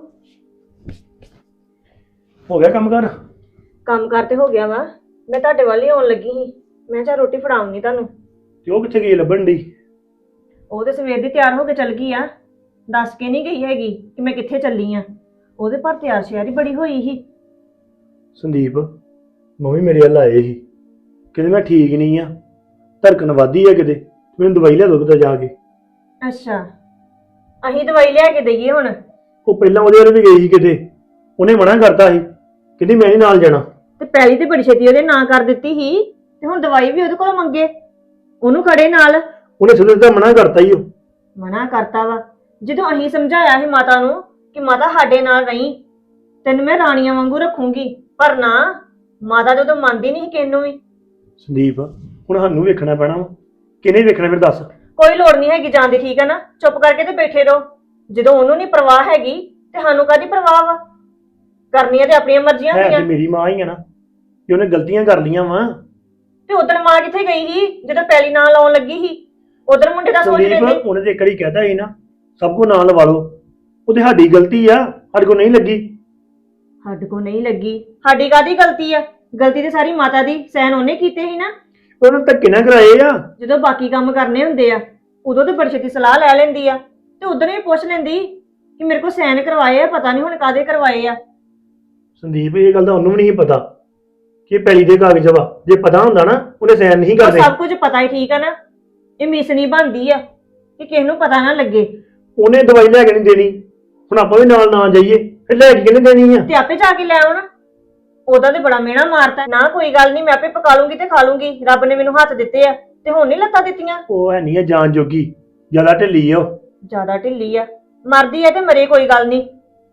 Speaker 3: ਹੋ ਗਿਆ ਕੰਮ ਕਰ?
Speaker 2: ਕੰਮ ਕਰਤੇ ਹੋ ਗਿਆ ਵਾ, ਮੈਂ ਤੁਹਾਡੇ ਵੱਲ ਹੀ ਆਉਣ ਲੱਗੀ ਸੀ, ਮੈਂ ਚਾ ਰੋਟੀ ਫੜਾਉਂਗੀ ਤੁਹਾਨੂੰ।
Speaker 3: ਤੇ ਉਹ ਕਿੱਥੇ ਗਈ ਲੱਭਣ ਦੀ?
Speaker 2: ਉਹ ਤੇ ਸਵੇਰ ਦੀ ਤਿਆਰ ਹੋ ਕੇ ਚੱਲ ਗਈ ਆ, ਦੱਸ ਕੇ ਨਹੀਂ ਗਈ ਹੈਗੀ ਕਿ ਮੈਂ ਕਿੱਥੇ ਚੱਲੀ ਆ। ਉਹਦੇ ਪਰ ਤਿਆਰ ਸ਼ਿਆਰ ਹੀ ਬੜੀ ਹੋਈ ਸੀ।
Speaker 3: ਸੰਦੀਪ ਮੰਮੀ ਮੇਰੇ ਵੱਲ ਆਏ ਸੀ, ਕਹਿੰਦੇ ਮੈਂ ਠੀਕ ਨਹੀਂ ਆ, ਧੜਕਣ ਵੱਧਦੀ ਆ ਕਿਤੇ, ਮੈਨੂੰ ਦਵਾਈ ਲਿਆ ਦੋ ਕਿਤੇ ਜਾ ਕੇ।
Speaker 2: ਅੱਛਾ, ਅਸੀਂ ਦਵਾਈ ਲਿਆ ਕੇ ਦਈਏ ਹੁਣ?
Speaker 3: ਉਹ ਪਹਿਲਾਂ ਉਹਦੇ ਵੱਲ ਵੀ ਗਈ ਸੀ ਕਿਤੇ, ਉਹਨੇ ਮਨਾ ਕਰਤਾ ਸੀ, ਕਹਿੰਦੀ ਮੈਂ ਨਹੀਂ ਨਾਲ ਜਾਣਾ।
Speaker 2: ਤੇ ਪੈਲੀ ਤੇ ਬੜੀ ਛੇਤੀ ਉਹਦੇ ਨਾਂ ਕਰ ਦਿੱਤੀ ਸੀ, ਤੇ ਹੁਣ ਦਵਾਈ ਵੀ ਉਹਦੇ ਕੋਲ ਮੰਗੇ, ਉਹਨੂੰ ਖੜੇ ਨਾਲ।
Speaker 3: ਉਹਨੇ ਸਿੱਧਾ ਸਿੱਧਾ ਮਨਾ ਕਰਤਾ ਹੀ। ਉਹ
Speaker 2: ਮਨਾ ਕਰਤਾ ਵਾ? ਜਦੋਂ ਅਸੀਂ ਸਮਝਾਇਆ ਸੀ ਮਾਤਾ ਨੂੰ ਕਿ ਮਾਤਾ ਸਾਡੇ ਨਾਲ ਰਹੀ, ਤੈਨੂੰ ਮੈਂ ਰਾਣੀਆਂ ਵਾਂਗੂ ਰੱਖੂੰਗੀ, ਪਰ ਨਾ, ਮਾਤਾ ਜਦੋਂ ਮੰਨਦੀ ਨਹੀਂ ਕਿਸੇ ਨੂੰ ਵੀ।
Speaker 3: ਸੰਦੀਪ ਹੁਣ ਸਾਨੂੰ ਵੇਖਣਾ ਪੈਣਾ ਵਾ, ਕਿਹਨੇ ਵੇਖਣਾ ਫਿਰ ਦੱਸ?
Speaker 2: ਕੋਈ ਲੋੜ ਨਹੀਂ ਹੈਗੀ ਜਾਣ ਦੀ, ਠੀਕ ਹੈ ਨਾ, ਚੁੱਪ ਕਰਕੇ ਤੇ ਬੈਠੇ ਰਹੋ। ਜਦੋਂ ਉਹਨੂੰ ਨਹੀਂ ਪਰਵਾਹ ਹੈਗੀ ਤੇ ਸਾਨੂੰ ਕਾਹਦੀ ਪਰਵਾਹ ਵਾ? ਕਰਨੀਆਂ ਤੇ ਆਪਣੀਆਂ ਮਰਜ਼ੀਆਂ
Speaker 3: ਹੈ ਤੇ
Speaker 2: ਹੁੰਦੀਆਂ।
Speaker 3: ਮੇਰੀ ਮਾਂ ਹੀ ਆ ਨਾ, ਕਿ ਉਹਨੇ ਗਲਤੀਆਂ ਕਰ ਲੀਆਂ ਵਾ।
Speaker 2: ਤੇ ਉਧਰ ਮਾਂ ਕਿੱਥੇ ਗਈ ਸੀ ਜਦੋਂ ਪੈਲੀ ਨਾਲ ਲਾਉਣ ਲੱਗੀ ਸੀ? ਉਧਰ ਮੁੰਡੇ ਦਾ ਸੋਚ ਲੈਂਦੇ।
Speaker 3: ਸੰਦੀਪ ਉਹਨੇ ਤੇ ਇੱਕ ਵਾਰੀ ਕਹਿਤਾ ਸੀ ਨਾ, ਸਭ ਕੋ ਨਾਲ ਲਵਾ ਲਓ, ਉਹ ਤੇ ਸਾਡੀ ਗਲਤੀ ਆ, ਸਾਡੇ ਕੋ ਨਹੀਂ ਲੱਗੀ।
Speaker 2: ਸਾਡੇ ਕੋ ਨਹੀਂ ਲੱਗੀ? ਸਾਡੀ ਕਾਹਦੀ ਗਲਤੀ ਆ? ਗਲਤੀ ਤੇ ਸਾਰੀ ਮਾਤਾ ਦੀ, ਸਹਿਨ ਉਹਨੇ ਕੀਤੇ ਸੀ ਨਾ।
Speaker 3: ਉਹਨੂੰ ਧੱਕੇ ਨਾ ਕਰਾਏ ਆ।
Speaker 2: ਜਦੋਂ ਬਾਕੀ ਕੰਮ ਕਰਨੇ ਹੁੰਦੇ ਆ ਉਦੋਂ ਤੇ ਬੜੀ ਛੇਤੀ ਸਲਾਹ ਲੈ ਲੈਂਦੀ ਆ, ਤੇ ਉਧਰ ਵੀ ਪੁੱਛ ਲੈਂਦੀ ਕਿ ਮੇਰੇ ਕੋ ਸੈਨ ਕਰਵਾਏ ਆ, ਪਤਾ ਨਹੀਂ ਹੁਣ ਕਾਹਦੇ ਕਰਵਾਏ ਆ।
Speaker 3: ਸੰਦੀਪ ਇਹ ਗੱਲ ਤਾਂ ਉਹਨੂੰ ਵੀ ਨਹੀਂ ਪਤਾ ਕਿ ਪੈਲੀ ਦੇ ਕਾਗਜ਼ ਵਾ, ਜੇ ਪਤਾ ਹੁੰਦਾ ਨਾ ਉਹਨੇ ਸਾਈਨ ਨਹੀਂ
Speaker 2: ਉਹ
Speaker 3: ਕਰਦੇ।
Speaker 2: ਸਭ ਕੁਝ ਪਤਾ ਹੀ, ਠੀਕ ਆ ਨਾ, ਇਹ ਮਿਸਨੀ ਬਣਦੀ ਆ ਕਿ ਕਿਸੇ ਨੂੰ ਪਤਾ ਨਾ ਲੱਗੇ।
Speaker 3: ਉਹਨੇ ਦਵਾਈ ਲੈ ਕੇ ਨਹੀਂ ਦੇਣੀ, ਹੁਣ ਆਪਾਂ ਵੀ ਨਾਲ ਨਾ ਜਾਈਏ, ਫਿਰ ਲੈ ਕੇ ਕਿਹਨੇ ਦੇਣੀ ਆ?
Speaker 2: ਤੇ ਆਪੇ ਜਾ ਕੇ ਲੈ ਆਓ ਨਾ। ਉਹਦਾ ਤੇ ਬੜਾ ਮਿਹਣਾ ਮਾਰਤਾ ਨਾ, ਕੋਈ ਗੱਲ ਨਹੀਂ, ਮੈਂ ਆਪੇ ਪਕਾ ਲੂੰਗੀ ਤੇ ਖਾ ਲੂੰਗੀ, ਰੱਬ ਨੇ ਮੈਨੂੰ ਹੱਥ ਦਿੱਤੇ ਆ ਤੇ ਹੁਣ ਨਹੀਂ ਲੱਤਾਂ ਦਿੱਤੀਆਂ।
Speaker 3: ਉਹ ਹੈ ਨਹੀਂ ਆ ਜਾਨ ਜੋਗੀ, ਜ਼ਿਆਦਾ ਢਿੱਲੀ ਆ ਉਹ।
Speaker 2: ਜ਼ਿਆਦਾ ਢਿੱਲੀ ਆ? ਮਰਦੀ ਆ ਤੇ ਮਰੇ, ਕੋਈ ਗੱਲ ਨਹੀਂ।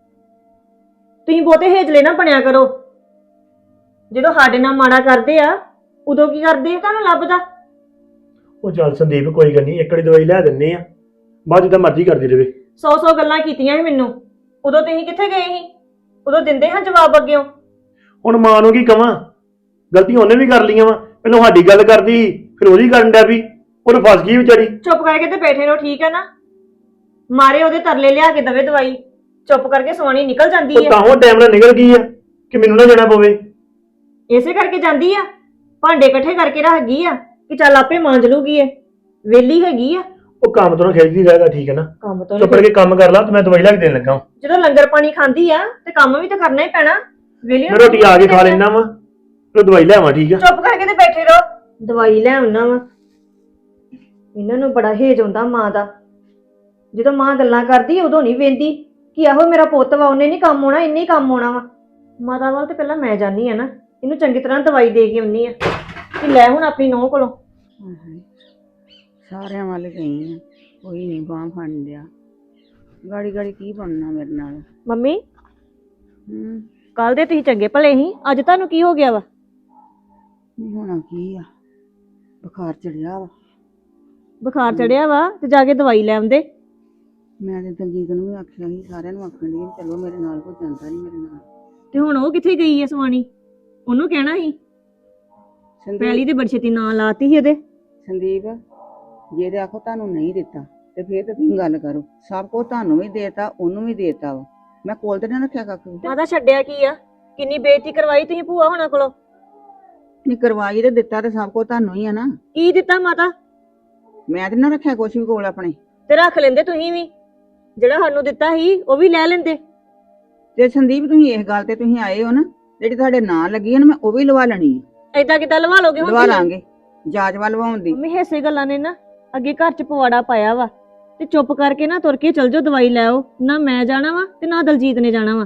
Speaker 2: ਤੁਸੀਂ ਬਹੁਤੇ ਹੇਜਲੇ ਨਾ ਬਣਿਆ ਕਰੋ। ਜਦੋਂ ਸਾਡੇ ਨਾਲ ਮਾੜਾ ਕਰਦੇ ਆ ਉਦੋਂ ਕੀ ਕਰਦੇ ਆ ਤੁਹਾਨੂੰ ਲੱਭਦਾ?
Speaker 3: ਉਹ ਚੱਲ ਸੰਦੀਪ ਕੋਈ ਗੱਲ ਨਹੀਂ, ਇੱਕ ਵਾਰੀ ਦਵਾਈ ਲੈ ਦਿੰਨੇ ਆ, ਬਾਅਦ ਜਿੱਦਾਂ ਮਰਜ਼ੀ ਕਰਦੀ ਰਹੇ।
Speaker 2: ਸੌ ਸੌ ਗੱਲਾਂ ਕੀਤੀਆਂ ਸੀ ਮੈਨੂੰ, ਉਦੋਂ ਤੁਸੀਂ ਕਿੱਥੇ ਗਏ ਸੀ? ਉਦੋਂ ਦਿੰਦੇ ਹਾਂ ਜਵਾਬ ਅੱਗਿਓ।
Speaker 3: ਹੁਣ ਮਾਂ ਨੂੰ ਕੀ ਕਵਾਂ, ਗਲਤੀਆਂ ਉਹਨੇ ਵੀ ਕਰ ਲਈਆਂ ਵਾ, ਪਹਿਲਾਂ ਸਾਡੀ ਗੱਲ ਕਰਦੀ ਫਿਰ ਉਹਦੀ ਕਰਨ ਡਿਆ ਵੀ, ਉਹ ਫਸ ਗਈ ਵਿਚਾਰੀ।
Speaker 2: ਚੁੱਪ ਕਰਕੇ ਤੇ ਬੈਠੇ ਰਹੋ, ਠੀਕ ਹੈ ਨਾ? ਮਾਰੇ ਉਹਦੇ ਤਰਲੇ ਲਿਆ ਕੇ ਦਵੇ ਦਵਾਈ,
Speaker 4: ਚੁੱਪ ਕਰਕੇ ਸਵਾਣੀ ਨਿਕਲ ਜਾਂਦੀ
Speaker 3: ਉਹ
Speaker 4: ਹੈ।
Speaker 3: ਤਾਂ ਉਹ ਟਾਈਮ ਨਾਲ ਨਿਕਲ ਗਈ ਆ ਕਿ ਮੈਨੂੰ ਨਾ ਜਾਣਾ ਪਵੇ।
Speaker 4: ਇਸੇ ਕਰਕੇ ਜਾਂਦੀ ਆ, ਭਾਂਡੇ ਇਕੱਠੇ ਕਰਕੇ ਰੱਖ ਗਈ ਆ ਕਿ ਚੱਲ ਆਪੇ ਮਾਂਜ ਲੂਗੀ ਇਹ, ਵਿਹਲੀ ਹੈਗੀ ਆ।
Speaker 3: ਉਹ ਕੰਮ ਤੋਂ ਖਿੱਚਦੀ ਰਹੇਗਾ, ਠੀਕ ਹੈ ਨਾ।
Speaker 4: ਕੰਮ ਤੋਂ
Speaker 3: ਚੁੱਪ ਕਰਕੇ ਕੰਮ ਕਰ ਲਾ ਤੇ ਮੈਂ ਦਵਾਈ ਲੈ ਕੇ ਦੇਣ ਲੱਗਾ।
Speaker 4: ਜਦੋਂ ਲੰਗਰ ਪਾਣੀ ਖਾਂਦੀ ਆ ਤੇ ਕੰਮ ਵੀ ਤਾਂ ਕਰਨਾ ਹੀ ਪੈਣਾ। ਵਿਹਲੀ
Speaker 3: ਮੈਂ ਰੋਟੀ ਆ ਕੇ ਖਾ ਲੈਣਾ ਵਾ, ਫਿਰ ਦਵਾਈ ਲੈ ਆਵਾਂ, ਠੀਕ ਆ।
Speaker 4: ਚੁੱਪ ਕਰਕੇ ਤੇ ਬੈਠੇ ਰਹੋ, ਦਵਾਈ ਲੈ ਆਉਣਾ ਵਾ। ਇਹਨਾਂ ਨੂੰ ਬੜਾ ਹੇਜ ਆਉਂਦਾ ਮਾਂ ਦਾ। ਜਦੋਂ ਮਾਂ ਗੱਲਾਂ ਕਰਦੀ ਉਦੋਂ ਨਹੀਂ ਵੇਂਦੀ ਕਿ ਆਹੋ ਮੇਰਾ ਪੁੱਤ ਵਾ, ਉਹਨੇ ਨਹੀਂ ਕੰਮ ਆਉਣਾ, ਇੰਨੇ ਹੀ ਕੰਮ ਆਉਣਾ ਵਾ। ਮਾਤਾ ਵੱਲ ਤੇ ਪਹਿਲਾਂ ਮੈਂ ਜਾਨੀ ਆ ਨਾ, ਇਹਨੂੰ ਚੰਗੀ ਤਰ੍ਹਾਂ ਦਵਾਈ ਦੇ ਕੇ ਆਉਣੀ ਆ ਕਿ ਲੈ ਹੁਣ ਆਪਣੀ ਨੂੰਹ ਕੋਲੋਂ।
Speaker 1: ਸਾਰਿਆਂ ਵੱਲ ਗਈ ਆ, ਕੋਈ ਨਹੀਂ ਬਾਂਹ ਫੜ ਲਿਆ। ਗਾੜੀ ਗਾੜੀ ਕੀ ਬਣਨਾ ਮੇਰੇ ਨਾਲ।
Speaker 4: ਮੰਮੀ
Speaker 1: ਹੂੰ
Speaker 4: ਕੱਲ ਦੇ ਤੁਸੀਂ ਚੰਗੇ ਭਲੇ ਸੀ, ਅੱਜ ਤੁਹਾਨੂੰ ਕੀ ਹੋ ਗਿਆ ਵਾ?
Speaker 1: ਨਹੀਂ ਹੋਣਾ ਕੀ ਆ, ਬੁਖਾਰ ਚੜਿਆ ਵਾ।
Speaker 4: ਬੁਖਾਰ ਚੜਿਆ ਵਾ ਤੇ ਜਾ ਕੇ ਦਵਾਈ ਲੈ ਆਉਂਦੇ।
Speaker 1: ਮੈਂ ਤੇ ਦਲਜੀਤ ਨੂੰ ਵੀ ਆਖਿਆ ਸੀ, ਸਾਰਿਆਂ ਨੂੰ ਆਖਣ ਦੀ ਚਲੋ ਮੇਰੇ ਨਾਲ, ਕੋਈ ਜਾਂਦਾ ਨਹੀਂ ਮੇਰੇ ਨਾਲ।
Speaker 4: ਤੇ ਹੁਣ ਉਹ ਕਿੱਥੇ ਗਈ ਐ ਸਵਾਣੀ? ਉਹਨੂੰ ਕਹਿਣਾ ਸੀ। ਪਹਿਲੀ ਤੇ ਬੜੀ ਛੇਤੀ ਨਾਂ ਲਾਤੀ ਸੀ ਇਹਦੇ।
Speaker 1: ਸੰਦੀਪ, ਜੇ ਤੇ ਆਖੋ ਤੁਹਾਨੂੰ ਨਹੀਂ ਦਿੱਤਾ ਤੇ ਫੇਰ ਤਾਂ ਤੁਸੀਂ ਗੱਲ ਕਰੋ। ਸਭ ਕੁਝ ਤੁਹਾਨੂੰ ਵੀ ਦੇਤਾ, ਉਹਨੂੰ ਵੀ ਦੇਤਾ ਵਾ। ਮੈਂ ਕੋਲ ਤੇ ਨਾ ਰੱਖਿਆ ਕੱਖ ਵੀ।
Speaker 4: ਮਾਤਾ ਛੱਡਿਆ ਕੀ ਆ? ਕਿੰਨੀ ਬੇਇੱਜ਼ਤੀ ਕਰਵਾਈ ਤੁਸੀਂ ਭੂਆ ਹੋਣਾ ਕੋਲੋਂ।
Speaker 1: ਨਹੀਂ ਕਰਵਾਈ ਤੇ ਦਿੱਤਾ ਤੇ ਸਭ ਕੁਝ ਤੁਹਾਨੂੰ ਹੀ ਆ ਨਾ।
Speaker 4: ਕੀ ਦਿੱਤਾ ਮਾਤਾ?
Speaker 1: ਮੈਂ ਤੇ ਨਾ ਰੱਖਿਆ ਕੁਛ ਵੀ ਕੋਲ ਆਪਣੇ।
Speaker 4: ਤੇ ਰੱਖ ਲੈਂਦੇ ਤੁਸੀਂ ਵੀ, ਜਿਹੜਾ ਸਾਨੂੰ ਦਿੱਤਾ ਸੀ ਉਹ ਵੀ ਲੈ ਲੈਂਦੇ।
Speaker 1: ਤੇ ਸੰਦੀਪ, ਤੁਸੀਂ ਇਸ ਗੱਲ ਤੇ ਤੁਸੀਂ ਆਏ ਹੋ ਨਾ, ਜਿਹੜੀ ਤੁਹਾਡੇ ਨਾਂ ਲੱਗੀ ਹੈ ਨਾ, ਮੈਂ ਉਹ ਵੀ ਲਵਾ ਲੈਣੀ ਹੈ।
Speaker 4: ਏਦਾਂ ਕਿੱਦਾਂ ਲਵਾ ਲੋਗੇ ਹੁਣ?
Speaker 1: ਲਵਾ ਲਾਂਗੇ, ਜਾਜਵਾ ਲਵਾਉਣ ਦੀ।
Speaker 4: ਮੰਮੀ ਹਿੱਸੇ ਗੱਲਾਂ ਨੇ ਨਾ ਅੱਗੇ ਘਰ ਚ ਪਵਾੜਾ ਪਾਇਆ ਵਾ, ਤੇ ਚੁੱਪ ਕਰਕੇ ਨਾ ਤੁਰ ਕੇ ਚਲ ਜਾਓ, ਦਵਾਈ ਲੈ ਆਓ। ਨਾ ਮੈਂ ਜਾਣਾ ਵਾ ਤੇ ਨਾ ਦਲਜੀਤ ਨੇ ਜਾਣਾ ਵਾ।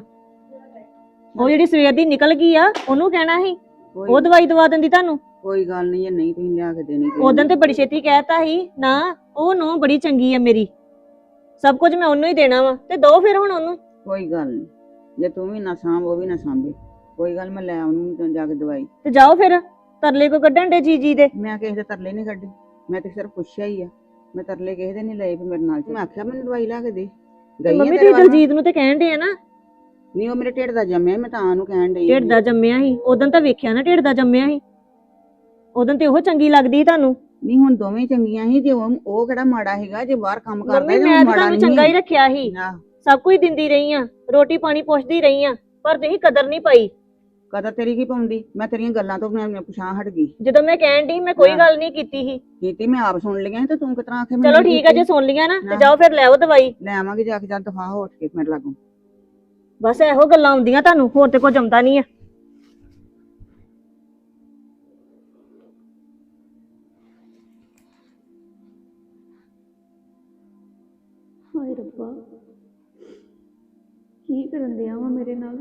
Speaker 4: ਉਹ ਜਿਹੜੀ ਸਵੇਰ ਦੀ ਨਿਕਲ ਗਈ ਆ ਉਹਨੂੰ ਕਹਿਣਾ ਸੀ, ਉਹ ਦਵਾਈ ਦਵਾ ਦਿੰਦੀ ਤੁਹਾਨੂੰ।
Speaker 1: ਕੋਈ ਗੱਲ ਨਹੀਂ, ਜੇ ਨਹੀਂ ਤੁਸੀਂ ਲਿਆ ਕੇ ਦੇਣੀ।
Speaker 4: ਉਦੋਂ ਤੇ ਬੜੀ ਛੇਤੀ ਕਹਿਤਾ ਸੀ ਨਾ, ਉਹ ਨੋ ਬੜੀ ਚੰਗੀ ਆ ਮੇਰੀ, ਸਭ ਕੁਝ ਮੈਂ ਉਹਨੂੰ ਹੀ ਦੇਣਾ ਵਾ, ਤੇ ਦੋ ਫਿਰ ਹੁਣ ਉਹਨੂੰ।
Speaker 1: ਕੋਈ ਗੱਲ ਨਹੀਂ, ਜੇ ਤੂੰ ਵੀ ਨਾ ਸਾਂਭ ਉਹ ਵੀ ਨਾ ਸਾਂਭੇ, ਕੋਈ ਗੱਲ, ਮੈਂ ਲੈ ਆਉਣੀ ਜਾ ਕੇ ਦਵਾਈ।
Speaker 4: ਤੇ ਜਾਓ ਫਿਰ, ਤਰਲੇ ਕੋ ਕੱਢਣ ਦੇ ਜੀ ਜੀ ਦੇ।
Speaker 1: ਮੈਂ ਕਿਸੇ ਦੇ ਤਰਲੇ ਨਹੀਂ ਕੱਢੇ, ਮੈਂ ਤੇ ਸਿਰਫ ਪੁੱਛਿਆ ਹੀ ਆ। ਮੈਂ ਤਰਲੇ ਕਿਸੇ ਦੇ ਨਹੀਂ ਲਏ ਵੀ ਮੇਰੇ ਨਾਲ। ਮੈਂ ਆਖਿਆ ਮੈਨੂੰ ਦਵਾਈ ਲਾ ਕੇ ਦੇ। ਗਈ
Speaker 4: ਮੰਮੀ ਤੁਸੀਂ ਦਲਜੀਤ ਨੂੰ ਤੇ ਕਹਿਣ ਦੇ ਆ ਨਾ।
Speaker 1: ਨਹੀਂ, ਉਹ ਮੇਰੇ ਢਿੱਡ ਦਾ ਜੰਮਿਆ, ਮੈਂ ਤਾਂ ਉਹਨੂੰ ਕਹਿਣ ਡਈ।
Speaker 4: ਢਿੱਡ ਦਾ ਜੰਮਿਆ ਸੀ ਉਦੋਂ ਤਾਂ ਵੇਖਿਆ ਨਾ, ਢਿੱਡ ਦਾ ਜੰਮਿਆ ਸੀ ਉਦੋਂ ਤੇ ਉਹ ਚੰਗੀ ਲੱਗਦੀ ਸੀ ਤੁਹਾਨੂੰ।
Speaker 1: ਨਹੀਂ ਹੁਣ ਦੋਵੇਂ ਚੰਗੀਆਂ ਸੀ। ਜੇ ਉਹ ਉਹ ਕਿਹੜਾ ਮਾੜਾ ਹੈਗਾ, ਜੇ ਬਾਹਰ ਕੰਮ ਕਰਦਾ
Speaker 4: ਮੰਮੀ ਮੈਂ ਤਾਂ ਤੁਹਾਨੂੰ ਚੰਗਾ ਹੀ ਰੱਖਿਆ ਸੀ, ਸਭ ਕੁਝ ਦਿੰਦੀ ਰਹੀ ਆ, ਰੋਟੀ ਪਾਣੀ ਪੁੱਛਦੀ ਰਹੀ ਆ, ਪਰ ਤੁਸੀਂ ਕਦਰ ਨਹੀਂ ਪਾਈ।
Speaker 1: ਕਦਰ ਤੇਰੀ ਕੀ ਪਾਉਂਦੀ? ਮੈਂ ਤੇਰੀਆਂ ਗੱਲਾਂ ਤੋਂ ਮੈਂ ਪੁਛਾਂ ਹਟ ਗਈ।
Speaker 4: ਜਦੋਂ ਮੈਂ ਕਹਿਣ ਦੀ ਮੈਂ ਕੋਈ ਗੱਲ ਨਹੀਂ ਕੀਤੀ ਸੀ।
Speaker 1: ਕੀਤੀ ਮੈਂ ਆਪ ਸੁਣ ਲਈਆਂ ਤੇ ਤੂੰ ਕਿਤਨਾ ਆਖੇ?
Speaker 4: ਚਲੋ ਠੀਕ ਆ, ਜੇ ਸੁਣ ਲਿਆ ਨਾ ਤੇ ਜਾਓ ਫਿਰ ਲੈ ਆਓ ਦਵਾਈ।
Speaker 1: ਲੈ ਆਵਾਂਗੇ ਜਾ ਕੇ, ਜਦ ਦਫਾ ਹੋ ਉੱਠ ਕੇ ਮੇਰੇ ਲਾਗੋਂ।
Speaker 4: ਬਸ ਇਹੋ ਗੱਲਾਂ ਆਉਂਦੀਆਂ ਤੁਹਾਨੂੰ, ਹੋਰ ਤੇ ਕੁਝ ਆਉਂਦਾ ਨਹੀਂ ਆ।
Speaker 5: ਹਾਏ ਰੱਬਾ, ਕੀ ਕਰਨ ਦਿਆ ਵਾ ਮੇਰੇ ਨਾਲ?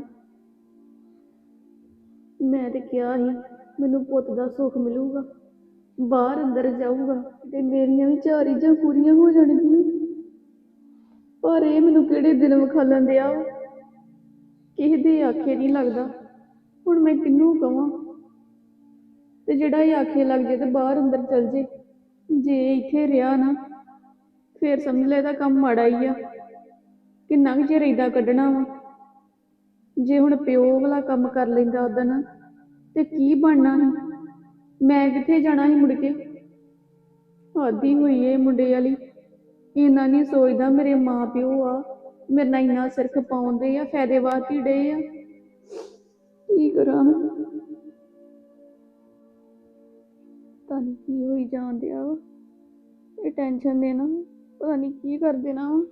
Speaker 5: ਮੈਂ ਤੇ ਕਿਹਾ ਸੀ ਮੈਨੂੰ ਪੁੱਤ ਦਾ ਸੁੱਖ ਮਿਲੂਗਾ, ਬਾਹਰ ਅੰਦਰ ਜਾਊਗਾ ਤੇ ਮੇਰੀਆਂ ਵੀ ਚਾਰ ਇੱਜਾਂ ਪੂਰੀਆਂ ਹੋ ਜਾਣਗੀਆਂ। ਪਰ ਇਹ ਮੈਨੂੰ ਕਿਹੜੇ ਦਿਨ ਵਿਖਾਲਣ ਦਿਆ ਵਾ, ਕਿਸੇ ਦੇ ਆਖੇ ਨਹੀਂ ਲੱਗਦਾ। ਹੁਣ ਮੈਂ ਕਿਹਨੂੰ ਕਵਾਂ? ਤੇ ਜਿਹੜਾ ਇਹ ਆਖੇ ਲੱਗ ਜੇ ਤੇ ਬਾਹਰ ਅੰਦਰ ਚਲ ਜੇ, ਜੇ ਇੱਥੇ ਰਿਹਾ ਨਾ ਫੇਰ ਸਮਝ ਲੈ ਇਹਦਾ ਕੰਮ ਮਾੜਾ ਹੀ ਆ। ਕਿੰਨਾ ਕੁ ਚਿਰ ਏਦਾਂ ਕੱਢਣਾ ਵਾ? ਜੇ ਹੁਣ ਪਿਓ ਵਾਲਾ ਕੰਮ ਕਰ ਲੈਂਦਾ ਉਦਣ ਤੇ ਕੀ ਬਣਨਾ ਸੀ? ਮੈਂ ਕਿੱਥੇ ਜਾਣਾ ਸੀ ਮੁੜ ਕੇ? ਆਦੀ ਹੋਈ ਏ ਮੁੰਡੇ ਵਾਲੀ, ਇੰਨਾ ਨਹੀਂ ਸੋਚਦਾ ਮੇਰੇ ਮਾਂ ਪਿਓ ਆ, ਮੇਰੇ ਨਾਲ ਇੰਨਾ ਸਿਰ ਖਪਾਉਂਦੇ ਆ, ਫਾਇਦੇ ਵਾਸਤੇ ਡੇ ਆ। ਕੀ ਕਰਾਂ? ਪਤਾ ਨਹੀਂ ਕੀ ਹੋਈ ਜਾਣ ਡਿਆ ਵਾ, ਇਹ ਟੈਨਸ਼ਨ ਦੇ ਨਾ ਪਤਾ ਨਹੀਂ ਕੀ ਕਰ ਦੇਣਾ ਵਾ।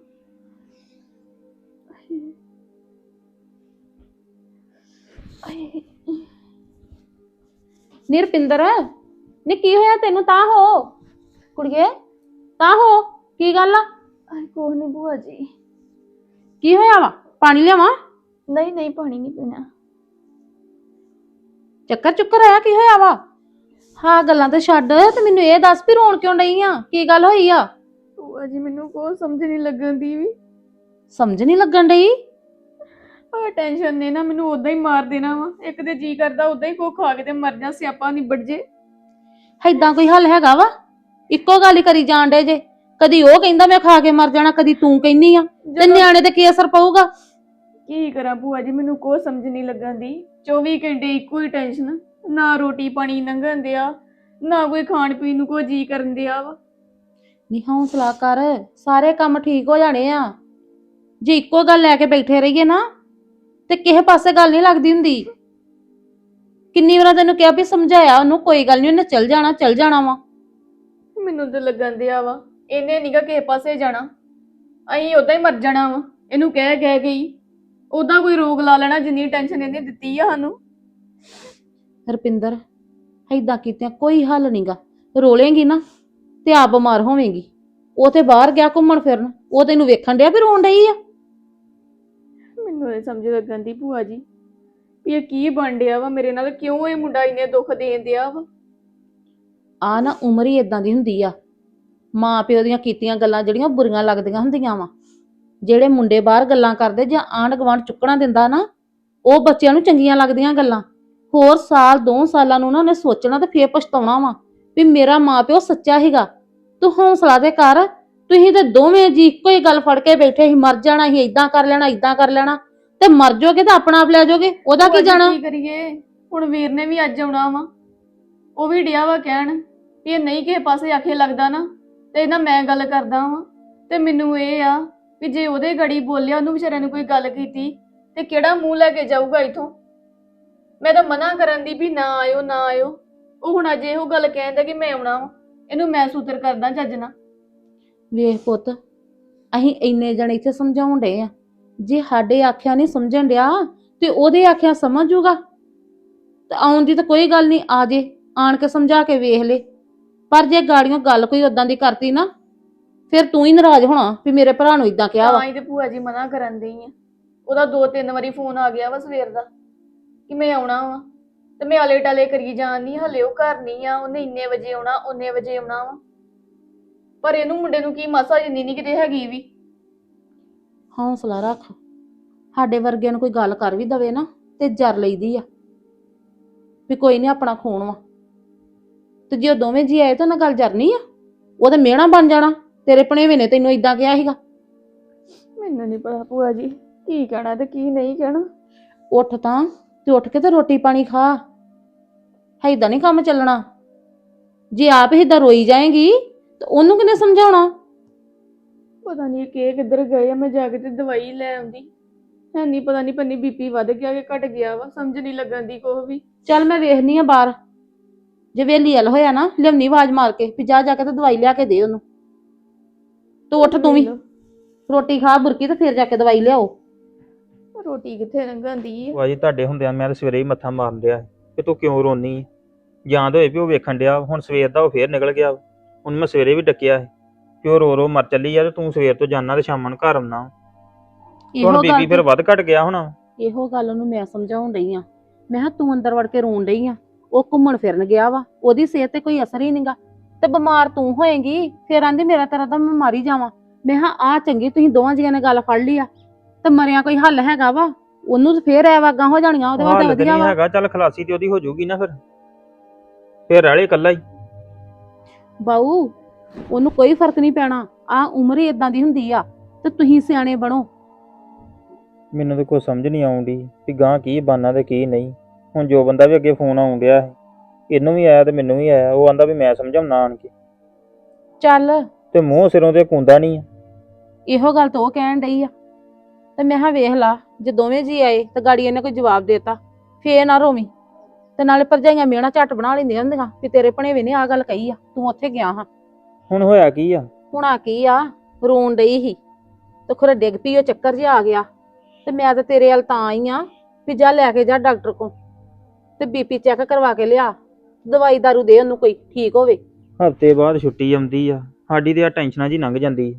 Speaker 6: ਨਿਰਪਿੰਦਰ, ਨੀ ਕੀ ਹੋਇਆ ਤੈਨੂੰ? ਤਾਂ ਹੋ ਕੁੜੀਏ, ਤਾਂ ਹੋ, ਕੀ ਗੱਲ ਆ?
Speaker 5: ਆਏ ਕੋਹ ਨਹੀਂ ਭੂਆ ਜੀ।
Speaker 6: ਕੀ ਹੋਇਆ ਵਾ? ਪਾਣੀ ਲਿਆਵਾਂ?
Speaker 5: ਨਹੀਂ ਨਹੀਂ, ਪਾਣੀ ਨਹੀਂ ਪੀਣਾ।
Speaker 6: ਚੱਕਰ ਚੁੱਕਰ ਆਇਆ? ਕੀ ਹੋਇਆ ਵਾ? ਹਾਂ ਗੱਲਾਂ ਤੇ ਛੱਡ, ਤੇ ਮੈਨੂੰ ਇਹ ਦੱਸ ਵੀ ਰੋਣ ਕਿਉਂ ਡਈ ਆ? ਕੀ ਗੱਲ ਹੋਈ ਆ?
Speaker 5: ਭੂਆ ਜੀ ਮੈਨੂੰ ਕੋਈ ਸਮਝ ਨਹੀਂ ਲੱਗਣ ਦੀ ਵੀ।
Speaker 6: ਸਮਝ ਨਹੀਂ ਲੱਗਣ ਡਈ?
Speaker 5: ਆ ਟੈਨਸ਼ਨ ਨੇ ਨਾ ਮੈਨੂੰ ਉਦਾਂ ਹੀ ਮਾਰ ਦੇਣਾ ਵਾ। ਇੱਕ ਤੇ ਜੀ ਕਰਦਾ ਉਦਾਂ ਹੀ ਕੋ ਖਾ ਕੇ ਤੇ ਮਰ ਜਾ, ਸਿਆਪਾ ਨਿਬੜ ਜੇ।
Speaker 6: ਏਦਾਂ ਕੋਈ ਹੱਲ ਹੈਗਾ ਵਾ? ਇੱਕੋ ਗੱਲ ਹੀ ਕਰੀ ਜਾਣ ਡੇ ਜੇ, ਕਦੀ ਉਹ ਕਹਿੰਦਾ ਮੈਂ ਖਾ ਕੇ ਮਰ ਜਾਣਾ, ਕਦੀ ਤੂੰ ਕਹਿੰਦੀ ਆ, ਤੇ ਨਿਆਣੇ ਤੇ ਕੀ ਅਸਰ ਪਊਗਾ?
Speaker 5: ਕੀ ਕਰਾਂ ਭੂਆ ਜੀ, ਮੈਨੂੰ ਕੋਈ ਸਮਝ ਨਹੀਂ ਲੱਗਣ ਦੀ। ਚੌਵੀ ਘੰਟੇ ਇੱਕੋ ਹੀ ਟੈਨਸ਼ਨ, ਨਾ ਰੋਟੀ ਪਾਣੀ ਲੰਘਣ ਦਿਆ, ਨਾ ਕੋਈ ਖਾਣ ਪੀਣ ਨੂੰ ਕੋਈ ਜੀ ਕਰਨ ਦਿਆ ਵਾ।
Speaker 6: ਨੀ ਹੌਸਲਾ ਕਰ, ਸਾਰੇ ਕੰਮ ਠੀਕ ਹੋ ਜਾਣੇ ਆ। ਜੇ ਇੱਕੋ ਗੱਲ ਲੈ ਕੇ ਬੈਠੇ ਰਹੀਏ ਨਾ ਤੇ ਕਿਸੇ ਪਾਸੇ ਗੱਲ ਨਹੀਂ ਲੱਗਦੀ ਹੁੰਦੀ। ਕਿੰਨੀ ਵਾਰ ਤੈਨੂੰ ਕਿਹਾ ਵੀ ਸਮਝਾਇਆ ਉਹਨੂੰ, ਕੋਈ ਗੱਲ ਨਹੀਂ, ਉਹਨੇ ਚੱਲ ਜਾਣਾ ਚੱਲ ਜਾਣਾ ਵਾ।
Speaker 5: ਮੈਨੂੰ ਤੇ ਲੱਗਣ ਦਿਆ ਵਾ ਇਹਨੇ ਨੀਗਾ ਕਿਸੇ ਪਾਸੇ ਜਾਣਾ, ਅਸੀਂ ਉਦਾਂ ਹੀ ਮਰ ਜਾਣਾ ਵਾ। ਇਹਨੂੰ ਕਹਿ ਕਹਿ ਗਈ ਉਦਾਂ ਕੋਈ ਰੋਗ ਲਾ ਲੈਣਾ ਜਿੰਨੀ ਟੈਨਸ਼ਨ ਇਹਨੇ ਦਿੱਤੀ ਆ ਸਾਨੂੰ।
Speaker 6: ਰੁਪਿੰਦਰ, ਏਦਾਂ ਕੀਤਿਆਂ ਕੋਈ ਹੱਲ ਨਹੀਂਗਾ। ਰੋਲੇਂਗੀ ਨਾ ਤੇ ਆਪ ਬਿਮਾਰ ਹੋਵੇਂਗੀ। ਉਹ ਤੇ ਬਾਹਰ ਗਿਆ ਘੁੰਮਣ ਫਿਰਨ, ਉਹ ਤੈਨੂੰ ਵੇਖਣ ਡਿਆ ਵੀ ਰੋਣ ਡਈ ਆ।
Speaker 5: ਮੈਨੂੰ ਇਹ ਸਮਝ ਲੱਗਣ ਦੀ ਭੂਆ ਜੀ ਵੀ ਇਹ ਕੀ ਬਣ ਡਿਆ ਵਾ ਮੇਰੇ ਨਾਲ, ਕਿਉਂ ਇਹ ਮੁੰਡਾ ਇੰਨੇ ਦੁੱਖ ਦੇਣ ਦਿਆ ਵਾ।
Speaker 6: ਆ ਨਾ ਉਮਰ ਹੀ ਇਦਾਂ ਦੀ ਹੁੰਦੀ ਆ। ਮਾਂ ਪਿਓ ਦੀਆਂ ਕੀਤੀਆਂ ਗੱਲਾਂ ਜਿਹੜੀਆਂ ਬੁਰੀਆਂ ਲੱਗਦੀਆਂ ਹੁੰਦੀਆਂ ਵਾ। ਜਿਹੜੇ ਮੁੰਡੇ ਬਾਹਰ ਗੱਲਾਂ ਕਰਦੇ ਜਾਂ ਆਂਢ ਗੁਆਂਢ ਚੁੱਕਣਾ ਦਿੰਦਾ ਨਾ, ਉਹ ਬੱਚਿਆਂ ਨੂੰ ਚੰਗੀਆਂ ਲੱਗਦੀਆਂ ਗੱਲਾਂ। ਹੋਰ ਸਾਲ ਦੋ ਸਾਲਾਂ ਨੂੰ ਨਾ ਉਹਨੇ ਸੋਚਣਾ ਤੇ ਫੇਰ ਪਛਤਾਉਣਾ ਵਾ ਵੀ ਮੇਰਾ ਮਾਂ ਪਿਓ ਸੱਚਾ ਸੀਗਾ। ਤੂੰ ਹੌਸਲਾ ਦੇ ਕਰ। ਤੁਸੀਂ ਤੇ ਦੋਵੇਂ ਜੀ ਇੱਕੋ ਹੀ ਗੱਲ ਫੜ ਕੇ ਬੈਠੇ ਸੀ, ਮਰ ਜਾਣਾ ਸੀ, ਏਦਾਂ ਕਰ ਲੈਣਾ ਏਦਾਂ ਕਰ ਲੈਣਾ, ਤੇ ਮਰ ਜਾਓਗੇ ਤਾਂ ਆਪਣਾ ਆਪ ਲੈ ਜਾਓਗੇ, ਉਹਦਾ
Speaker 5: ਭੂਆ
Speaker 6: ਕੀ
Speaker 5: ਜੀ,
Speaker 6: ਜਾਣਾ।
Speaker 5: ਕੀ ਕਰੀਏ ਹੁਣ, ਵੀਰ ਨੇ ਵੀ ਅੱਜ ਆਉਣਾ ਵਾ। ਉਹ ਵੀ ਡਿਆ ਵਾ ਕਹਿਣ ਵੀ ਇਹ ਨਹੀਂ ਕਿਸੇ ਪਾਸੇ ਆਖੇ ਲੱਗਦਾ ਨਾ ਤੇ ਇਹਨਾਂ ਮੈਂ ਗੱਲ ਕਰਦਾ ਵਾਂ। ਤੇ ਮੈਨੂੰ ਇਹ ਆ ਵੀ ਜੇ ਉਹਦੇ ਗੜੀ ਬੋਲਿਆ, ਉਹਨੂੰ ਵਿਚਾਰਿਆਂ ਨੂੰ ਕੋਈ ਗੱਲ ਕੀਤੀ ਤੇ ਕਿਹੜਾ ਮੂੰਹ ਲੈ ਕੇ ਜਾਊਗਾ ਇਥੋਂ। ਮੈਂ ਤਾਂ ਮਨਾ ਕਰਨ ਦੀ ਵੀ ਨਾ ਆਇਓ ਨਾ ਆਇਓ, ਉਹ ਹੁਣ ਅਜੇ ਇਹੋ ਗੱਲ ਕਹਿੰਦਾ ਕਿ ਮੈਂ ਆਉਣਾ ਵਾ। ਇਹਨੂੰ ਮੈਂ ਸੂਤਰ ਕਰਦਾ ਚੱਜ ਨਾਲ।
Speaker 6: ਵੇਖ ਪੁੱਤ, ਅਸੀਂ ਇੰਨੇ ਜਣੇ ਇੱਥੇ ਸਮਝਾਉਣ ਡਏ ਆ, ਜੇ ਸਾਡੇ ਆਖਿਆ ਨਹੀਂ ਸਮਝਣ ਡਿਆ ਤੇ ਉਹਦੇ ਆਖਿਆ ਸਮਝ ਜੂਗਾ। ਤੇ ਆਉਣ ਦੀ ਤਾਂ ਕੋਈ ਗੱਲ ਨਹੀਂ, ਆ ਜੇ ਆਣ ਕੇ ਸਮਝਾ ਕੇ ਵੇਖ ਲੈ। ਪਰ ਜੇ ਗਾੜੀਆਂ ਗੱਲ ਕੋਈ ਉਦਾਂ ਦੀ ਕਰਤੀ ਨਾ, ਫਿਰ ਤੂੰ ਹੀ ਨਾਰਾਜ਼ ਹੋਣਾ ਵੀ ਮੇਰੇ ਭਰਾ ਨੂੰ ਇਦਾਂ ਕਿਹਾ ਵਾ।
Speaker 5: ਤਾਂ ਹੀ ਤੇ ਭੂਆ ਜੀ ਮਨਾ ਕਰਨ ਦੀ ਆ। ਉਹਦਾ ਦੋ ਤਿੰਨ ਵਾਰੀ ਫੋਨ ਆ ਗਿਆ ਵਾ ਸਵੇਰ ਦਾ ਕਿ ਮੈਂ ਆਉਣਾ ਵਾ, ਤੇ ਮੈਂ ਆਲੇ ਟਾਲੇ ਕਰੀ ਜਾਣੀ, ਹਲੇ ਉਹ ਘਰ ਨਹੀਂ ਆ, ਉਹਨੇ ਇੰਨੇ ਵਜੇ ਆਉਣਾ ਉਹਨੇ ਵਜੇ ਆਉਣਾ ਵਾ। ਪਰ ਇਹਨੂੰ ਮੁੰਡੇ ਨੂੰ ਕੀ ਮਾਸਾ ਜਿੰਨੀ ਨਹੀਂ ਕਿਤੇ ਹੈਗੀ ਵੀ।
Speaker 6: ਹੌਸਲਾ ਰੱਖ। ਸਾਡੇ ਵਰਗਿਆਂ ਨੂੰ ਕੋਈ ਗੱਲ ਕਰ ਵੀ ਦਵੇ ਨਾ ਤੇ ਜਰ ਲਈਦੀ ਆ ਵੀ ਕੋਈ ਨਹੀਂ, ਆਪਣਾ ਖੂਨ ਵਾ। ਤੇ ਜੇ ਉਹ ਦੋਵੇਂ ਜੀ ਆਏ ਤਾਂ ਉਹਨਾਂ ਗੱਲ ਜਰਨੀ ਆ, ਉਹ ਤਾਂ ਮਿਹਣਾ ਬਣ ਜਾਣਾ ਤੇਰੇ ਭਣੇਵੇਂ ਨੇ ਤੈਨੂੰ ਇਦਾਂ ਕਿਹਾ ਸੀਗਾ।
Speaker 5: ਮੈਨੂੰ ਨਹੀਂ ਪਤਾ ਭੂਆ ਜੀ ਕੀ ਕਹਿਣਾ ਤੇ ਕੀ ਨਹੀਂ ਕਹਿਣਾ।
Speaker 6: ਉੱਠ ਤਾਂ ਤੇ ਉੱਠ ਕੇ ਤੇ ਰੋਟੀ ਪਾਣੀ ਖਾ। ਏਦਾਂ ਨਹੀਂ ਕੰਮ ਚੱਲਣਾ। ਜੇ ਆਪ ਏਦਾਂ ਰੋਈ ਜਾਏਗੀ ਤੇ ਉਹਨੂੰ ਕਿਹਨੇ ਸਮਝਾਉਣਾ।
Speaker 5: ਪਤਾ ਨਹੀਂ ਕਿ ਕਿੱਧਰ ਗਏ ਆ, ਮੈਂ ਜਾ ਕੇ ਤੇ ਦਵਾਈ ਲੈ ਆਉਂਦੀ। ਹੈ ਨਹੀਂ ਪਤਾ ਨਹੀਂ ਪੰਨੀ ਬੀਪੀ ਵੱਧ ਗਿਆ ਕਿ ਘਟ ਗਿਆ ਵਾ, ਸਮਝ ਨਹੀਂ ਲੱਗਣ ਦੀ ਕੁਛ ਵੀ।
Speaker 6: ਚੱਲ ਮੈਂ ਵੇਖਨੀ ਆ ਬਾਹਰ, ਜੇ ਵੇਲੀ ਹਲ ਹੋਇਆ ਨਾ ਲਿਆਉਣੀ ਆਵਾਜ਼ ਮਾਰ ਕੇ ਵੀ ਜਾ ਜਾ ਕੇ ਤੇ ਦਵਾਈ ਲਿਆ ਕੇ ਦੇ ਉਹਨੂੰ। ਤੂੰ ਉੱਠ ਤੂੰ ਵੀ ਰੋਟੀ ਖਾ ਬੁਰਕੀ ਤੇ ਫਿਰ ਜਾ ਕੇ ਦਵਾਈ ਲਿਆਓ।
Speaker 5: ਰੋਟੀ ਕਿੱਥੇ ਲੰਘਾਂਦੀ ਹੈ।
Speaker 7: ਭੂਆ ਜੀ ਤੁਹਾਡੇ ਹੁੰਦਿਆਂ ਮੈਂ ਤਾਂ ਸਵੇਰੇ ਹੀ ਮੱਥਾ ਮਾਰਨ ਡਿਆ ਕਿ ਤੂੰ ਕਿਉਂ ਰੋਨੀ ਹੈ। ਜਾਂ ਤਾਂ ਹੋਏ ਵੀ ਉਹ ਵੇਖਣ ਡਿਆ, ਹੁਣ ਸਵੇਰ ਦਾ ਉਹ ਫੇਰ ਨਿਕਲ ਗਿਆ। ਹੁਣ ਮੈਂ ਸਵੇਰੇ ਵੀ ਡੱਕਿਆ ਸੀ ਕਿ ਉਹ ਰੋ ਰੋ ਮਰ ਚੱਲੀ ਆ ਤੇ ਤੂੰ ਸਵੇਰ ਤੋਂ ਜਾਣਾ ਤੇ ਸ਼ਾਮਾਂ ਨੂੰ ਘਰ ਆਉਣਾ। ਹੁਣ ਬੀਬੀ ਫਿਰ ਵੱਧ ਘਟ ਗਿਆ ਹੋਣਾ।
Speaker 6: ਇਹੋ ਗੱਲ ਉਹਨੂੰ ਮੈਂ ਸਮਝਾਉਣ ਡਈ ਆ। ਮੈਂ ਕਿਹਾ ਤੂੰ ਅੰਦਰ ਵੜ ਕੇ ਰੋਣ ਡਈ ਆ, ਉਹ ਘੁੰਮਣ ਫਿਰਨ ਗਿਆ ਵਾ, ਉਹਦੀ ਸਿਹਤ ਤੇ ਕੋਈ ਅਸਰ ਹੀ ਨਹੀਂਗਾ, ਤੇ ਬਿਮਾਰ ਤੂੰ ਹੋਏਗੀ। ਫਿਰ ਆਂਦੀ ਮੇਰਾ ਤੇਰਾ ਤਾਂ ਮੈਂ ਮਾਰੀ ਜਾਵਾਂ। ਮੈਂ ਕਿਹਾ ਆ ਚੰਗੀ ਤੁਸੀਂ ਦੋਵਾਂ ਜੀਆਂ ਨੇ ਗੱਲ ਫੜ ਲਈ ਆ, ਤੇ ਮਰਿਆ ਕੋਈ ਹੱਲ ਹੈਗਾ ਵਾ। ਉਹਨੂੰ ਤੇ ਫੇਰ ਐ ਵਾਗਾਂ ਹੋ ਜਾਣੀਆਂ, ਉਹਦੇ ਵਾਸਤੇ ਵਧੀਆ ਵਾ।
Speaker 7: ਹੈਗਾ ਚੱਲ ਖਲਾਸੀ ਤੇ ਉਹਦੀ ਹੋ ਜਾਊਗੀ ਨਾ, ਫਿਰ ਫਿਰ ਰਹਿ ਲੇ ਇਕੱਲਾ ਹੀ।
Speaker 6: ਬਾਊ ਉਹਨੂੰ ਕੋਈ ਫਰਕ ਨਹੀਂ ਪੈਣਾ। ਆ ਉਮਰ ਹੀ ਇਦਾਂ ਦੀ ਹੁੰਦੀ ਆ, ਤੇ ਤੁਸੀਂ ਸਿਆਣੇ ਬਣੋ।
Speaker 7: ਮੈਨੂੰ ਤਾਂ ਕੋਈ ਸਮਝ ਨਹੀਂ ਆਉਂਦੀ ਵੀ ਗਾਂ ਕੀ ਬਾਨਾ ਤੇ ਕੀ ਨਹੀਂ। ਹੁਣ ਜੋ ਬੰਦਾ ਵੀ ਅੱਗੇ ਫੋਨ ਆਉਣ ਡਿਆ ਹੈ, ਇਹਨੂੰ ਵੀ ਆਇਆ ਤੇ ਮੈਨੂੰ ਵੀ ਆਇਆ। ਉਹ ਆਂਦਾ ਵੀ ਮੈਂ ਸਮਝਾਉਣਾ ਆਣ ਕੇ,
Speaker 6: ਚੱਲ
Speaker 7: ਤੇ ਮੂੰਹ ਸਿਰੋਂ ਤੇ ਕੁੰਦਾ ਨਹੀਂ ਆ।
Speaker 6: ਇਹੋ ਗੱਲ ਤਾਂ ਉਹ ਕਹਿਣ ਡਈ ਆ। ਤੇ ਮੈਂ ਕਿਹਾ ਵੇਖ ਲਾ, ਜੇ ਦੋਵੇਂ ਜੀ ਆਏ ਤੇ ਗਾੜੀ ਇਹਨੇ ਕੋਈ ਜਵਾਬ ਦੇਤਾ ਫੇਰ ਨਾ ਰੋਵੀਂ। ਤੇ ਨਾਲੇ ਭਰਜਾਈਆਂ ਮੇਣਾ ਝੱਟ ਬਣਾ ਲੈਂਦੀਆਂ ਹੁੰਦੀਆਂ ਵੀ ਤੇਰੇ ਭਣੇਵੇਂ ਨੇ ਆ ਗੱਲ ਕਹੀ ਆ, ਤੂੰ ਉੱਥੇ ਗਿਆ ਹਾਂ।
Speaker 7: ਹੁਣ ਹੋਇਆ ਕੀ ਆ?
Speaker 6: ਹੁਣ ਆ ਕੀ ਆ, ਰੋਣ ਡਈ ਸੀ ਤੇ ਖੁਰੇ ਡਿੱਗ ਪਈ, ਉਹ ਚੱਕਰ ਜਿਹਾ ਆ ਗਿਆ। ਤੇ ਮੈਂ ਤਾਂ ਤੇਰੇ ਵੱਲ ਤਾਂ ਆਈ ਆ ਵੀ ਜਾ ਲੈ ਕੇ ਜਾ ਡਾਕਟਰ ਕੋਲ ਤੇ ਬੀਪੀ ਚੈੱਕ ਕਰਵਾ ਕੇ ਲਿਆ, ਦਵਾਈ ਦਾਰੂ ਦੇ ਉਹਨੂੰ ਕੋਈ ਠੀਕ ਹੋਵੇ।
Speaker 7: ਹਫ਼ਤੇ ਬਾਅਦ ਛੁੱਟੀ ਆਉਂਦੀ ਆ, ਸਾਡੀ ਤੇ ਆ ਟੈਨਸ਼ਨਾਂ ਜੀ ਲੰਘ ਜਾਂਦੀ।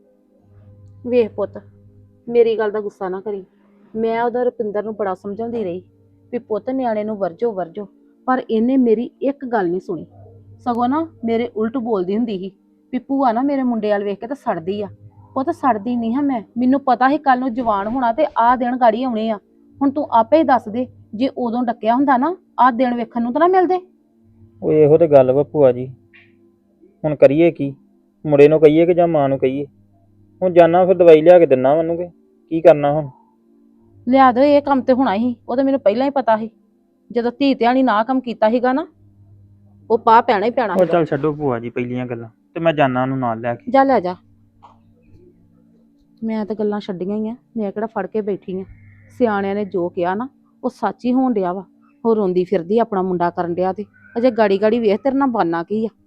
Speaker 6: ਵੇਖ ਪੁੱਤ, ਮੇਰੀ ਗੱਲ ਦਾ ਗੁੱਸਾ ਨਾ ਕਰੀ। ਮੈਂ ਉਹਦਾ ਰੁਪਿੰਦਰ ਨੂੰ ਬੜਾ ਸਮਝਾਉਂਦੀ ਰਹੀ ਵੀ ਪੁੱਤ ਨਿਆਣੇ ਨੂੰ ਵਰਜੋ ਵਰਜੋ, ਪਰ ਇਹਨੇ ਮੇਰੀ ਇੱਕ ਗੱਲ ਨਹੀਂ ਸੁਣੀ। ਸਗੋਂ ਨਾ ਮੇਰੇ ਉਲਟ ਬੋਲਦੀ ਹੁੰਦੀ ਸੀ ਵੀ ਭੂਆ ਨਾ ਮੇਰੇ ਮੁੰਡੇ ਵਾਲ ਵੇਖ ਕੇ ਤਾਂ ਸੜਦੀ ਆ। ਪੁੱਤ ਸੜਦੀ ਨਹੀਂ ਹਾਂ ਮੈਂ, ਮੈਨੂੰ ਪਤਾ ਸੀ ਕੱਲ ਨੂੰ ਜਵਾਨ ਹੋਣਾ ਤੇ ਆਹ ਦਿਨ ਗਾੜੀ ਆਉਣੇ ਆ। ਹੁਣ ਤੂੰ ਆਪੇ ਹੀ ਦੱਸ ਦੇ, ਜੇ ਉਦੋਂ ਡੱਕਿਆ ਹੁੰਦਾ ਨਾ ਆਹ ਦਿਨ ਵੇਖਣ ਨੂੰ ਤਾਂ ਨਾ ਮਿਲਦੇ।
Speaker 7: ਉਹ ਇਹੋ ਤੇ ਗੱਲ ਵਾ ਭੂਆ ਜੀ, ਹੁਣ ਕਰੀਏ ਕੀ? ਮੁੰਡੇ ਨੂੰ ਕਹੀਏ ਕਿ ਜਾਂ ਮਾਂ ਨੂੰ ਕਹੀਏ? ਹੁਣ ਜਾਣਾ ਫਿਰ ਦਵਾਈ ਲਿਆ ਕੇ ਦਿੰਨਾ ਮੈਨੂੰ, ਕਿ ਕੀ ਕਰਨਾ ਹੁਣ?
Speaker 6: ਲਿਆ ਦੋ, ਇਹ ਕੰਮ ਤੇ ਹੋਣਾ ਹੀ, ਉਹ ਤਾਂ ਮੈਨੂੰ ਪਹਿਲਾਂ ਹੀ ਪਤਾ ਸੀ। ਜਦੋਂ ਧੀ ਧਿਆਣੀ ਨਾ ਕੰਮ ਕੀਤਾ ਸੀਗਾ ਨਾ, ਉਹ ਪਾ ਪੈਣਾ ਹੀ ਪੈਣਾ।
Speaker 7: ਉਹ ਚੱਲ ਛੱਡੋ ਭੂਆ ਜੀ ਪਹਿਲੀਆਂ ਗੱਲਾਂ, ਤੇ ਮੈਂ ਜਾਣਾ ਉਹਨੂੰ ਨਾਲ ਲੈ ਕੇ।
Speaker 6: ਜਾ ਲੈ ਜਾ। ਮੈਂ ਤਾਂ ਗੱਲਾਂ ਛੱਡੀਆਂ ਹੀ ਆ, ਮੈਂ ਕਿਹੜਾ ਫੜ ਕੇ ਬੈਠੀ ਆ। ਸਿਆਣਿਆਂ ਨੇ ਜੋ ਕਿਹਾ ਨਾ ਉਹ ਸੱਚ ਹੀ ਹੋਣ ਡਿਆ ਵਾ। ਉਹ ਰੋਂਦੀ ਫਿਰਦੀ ਆਪਣਾ ਮੁੰਡਾ ਕਰਨ ਡਿਆ ਤੇ ਅਜੇ ਗਾੜੀ ਗਾੜੀ ਵੇਖ ਤੇਰੇ ਨਾਲ ਬਾਨਾ ਕੀ ਆ।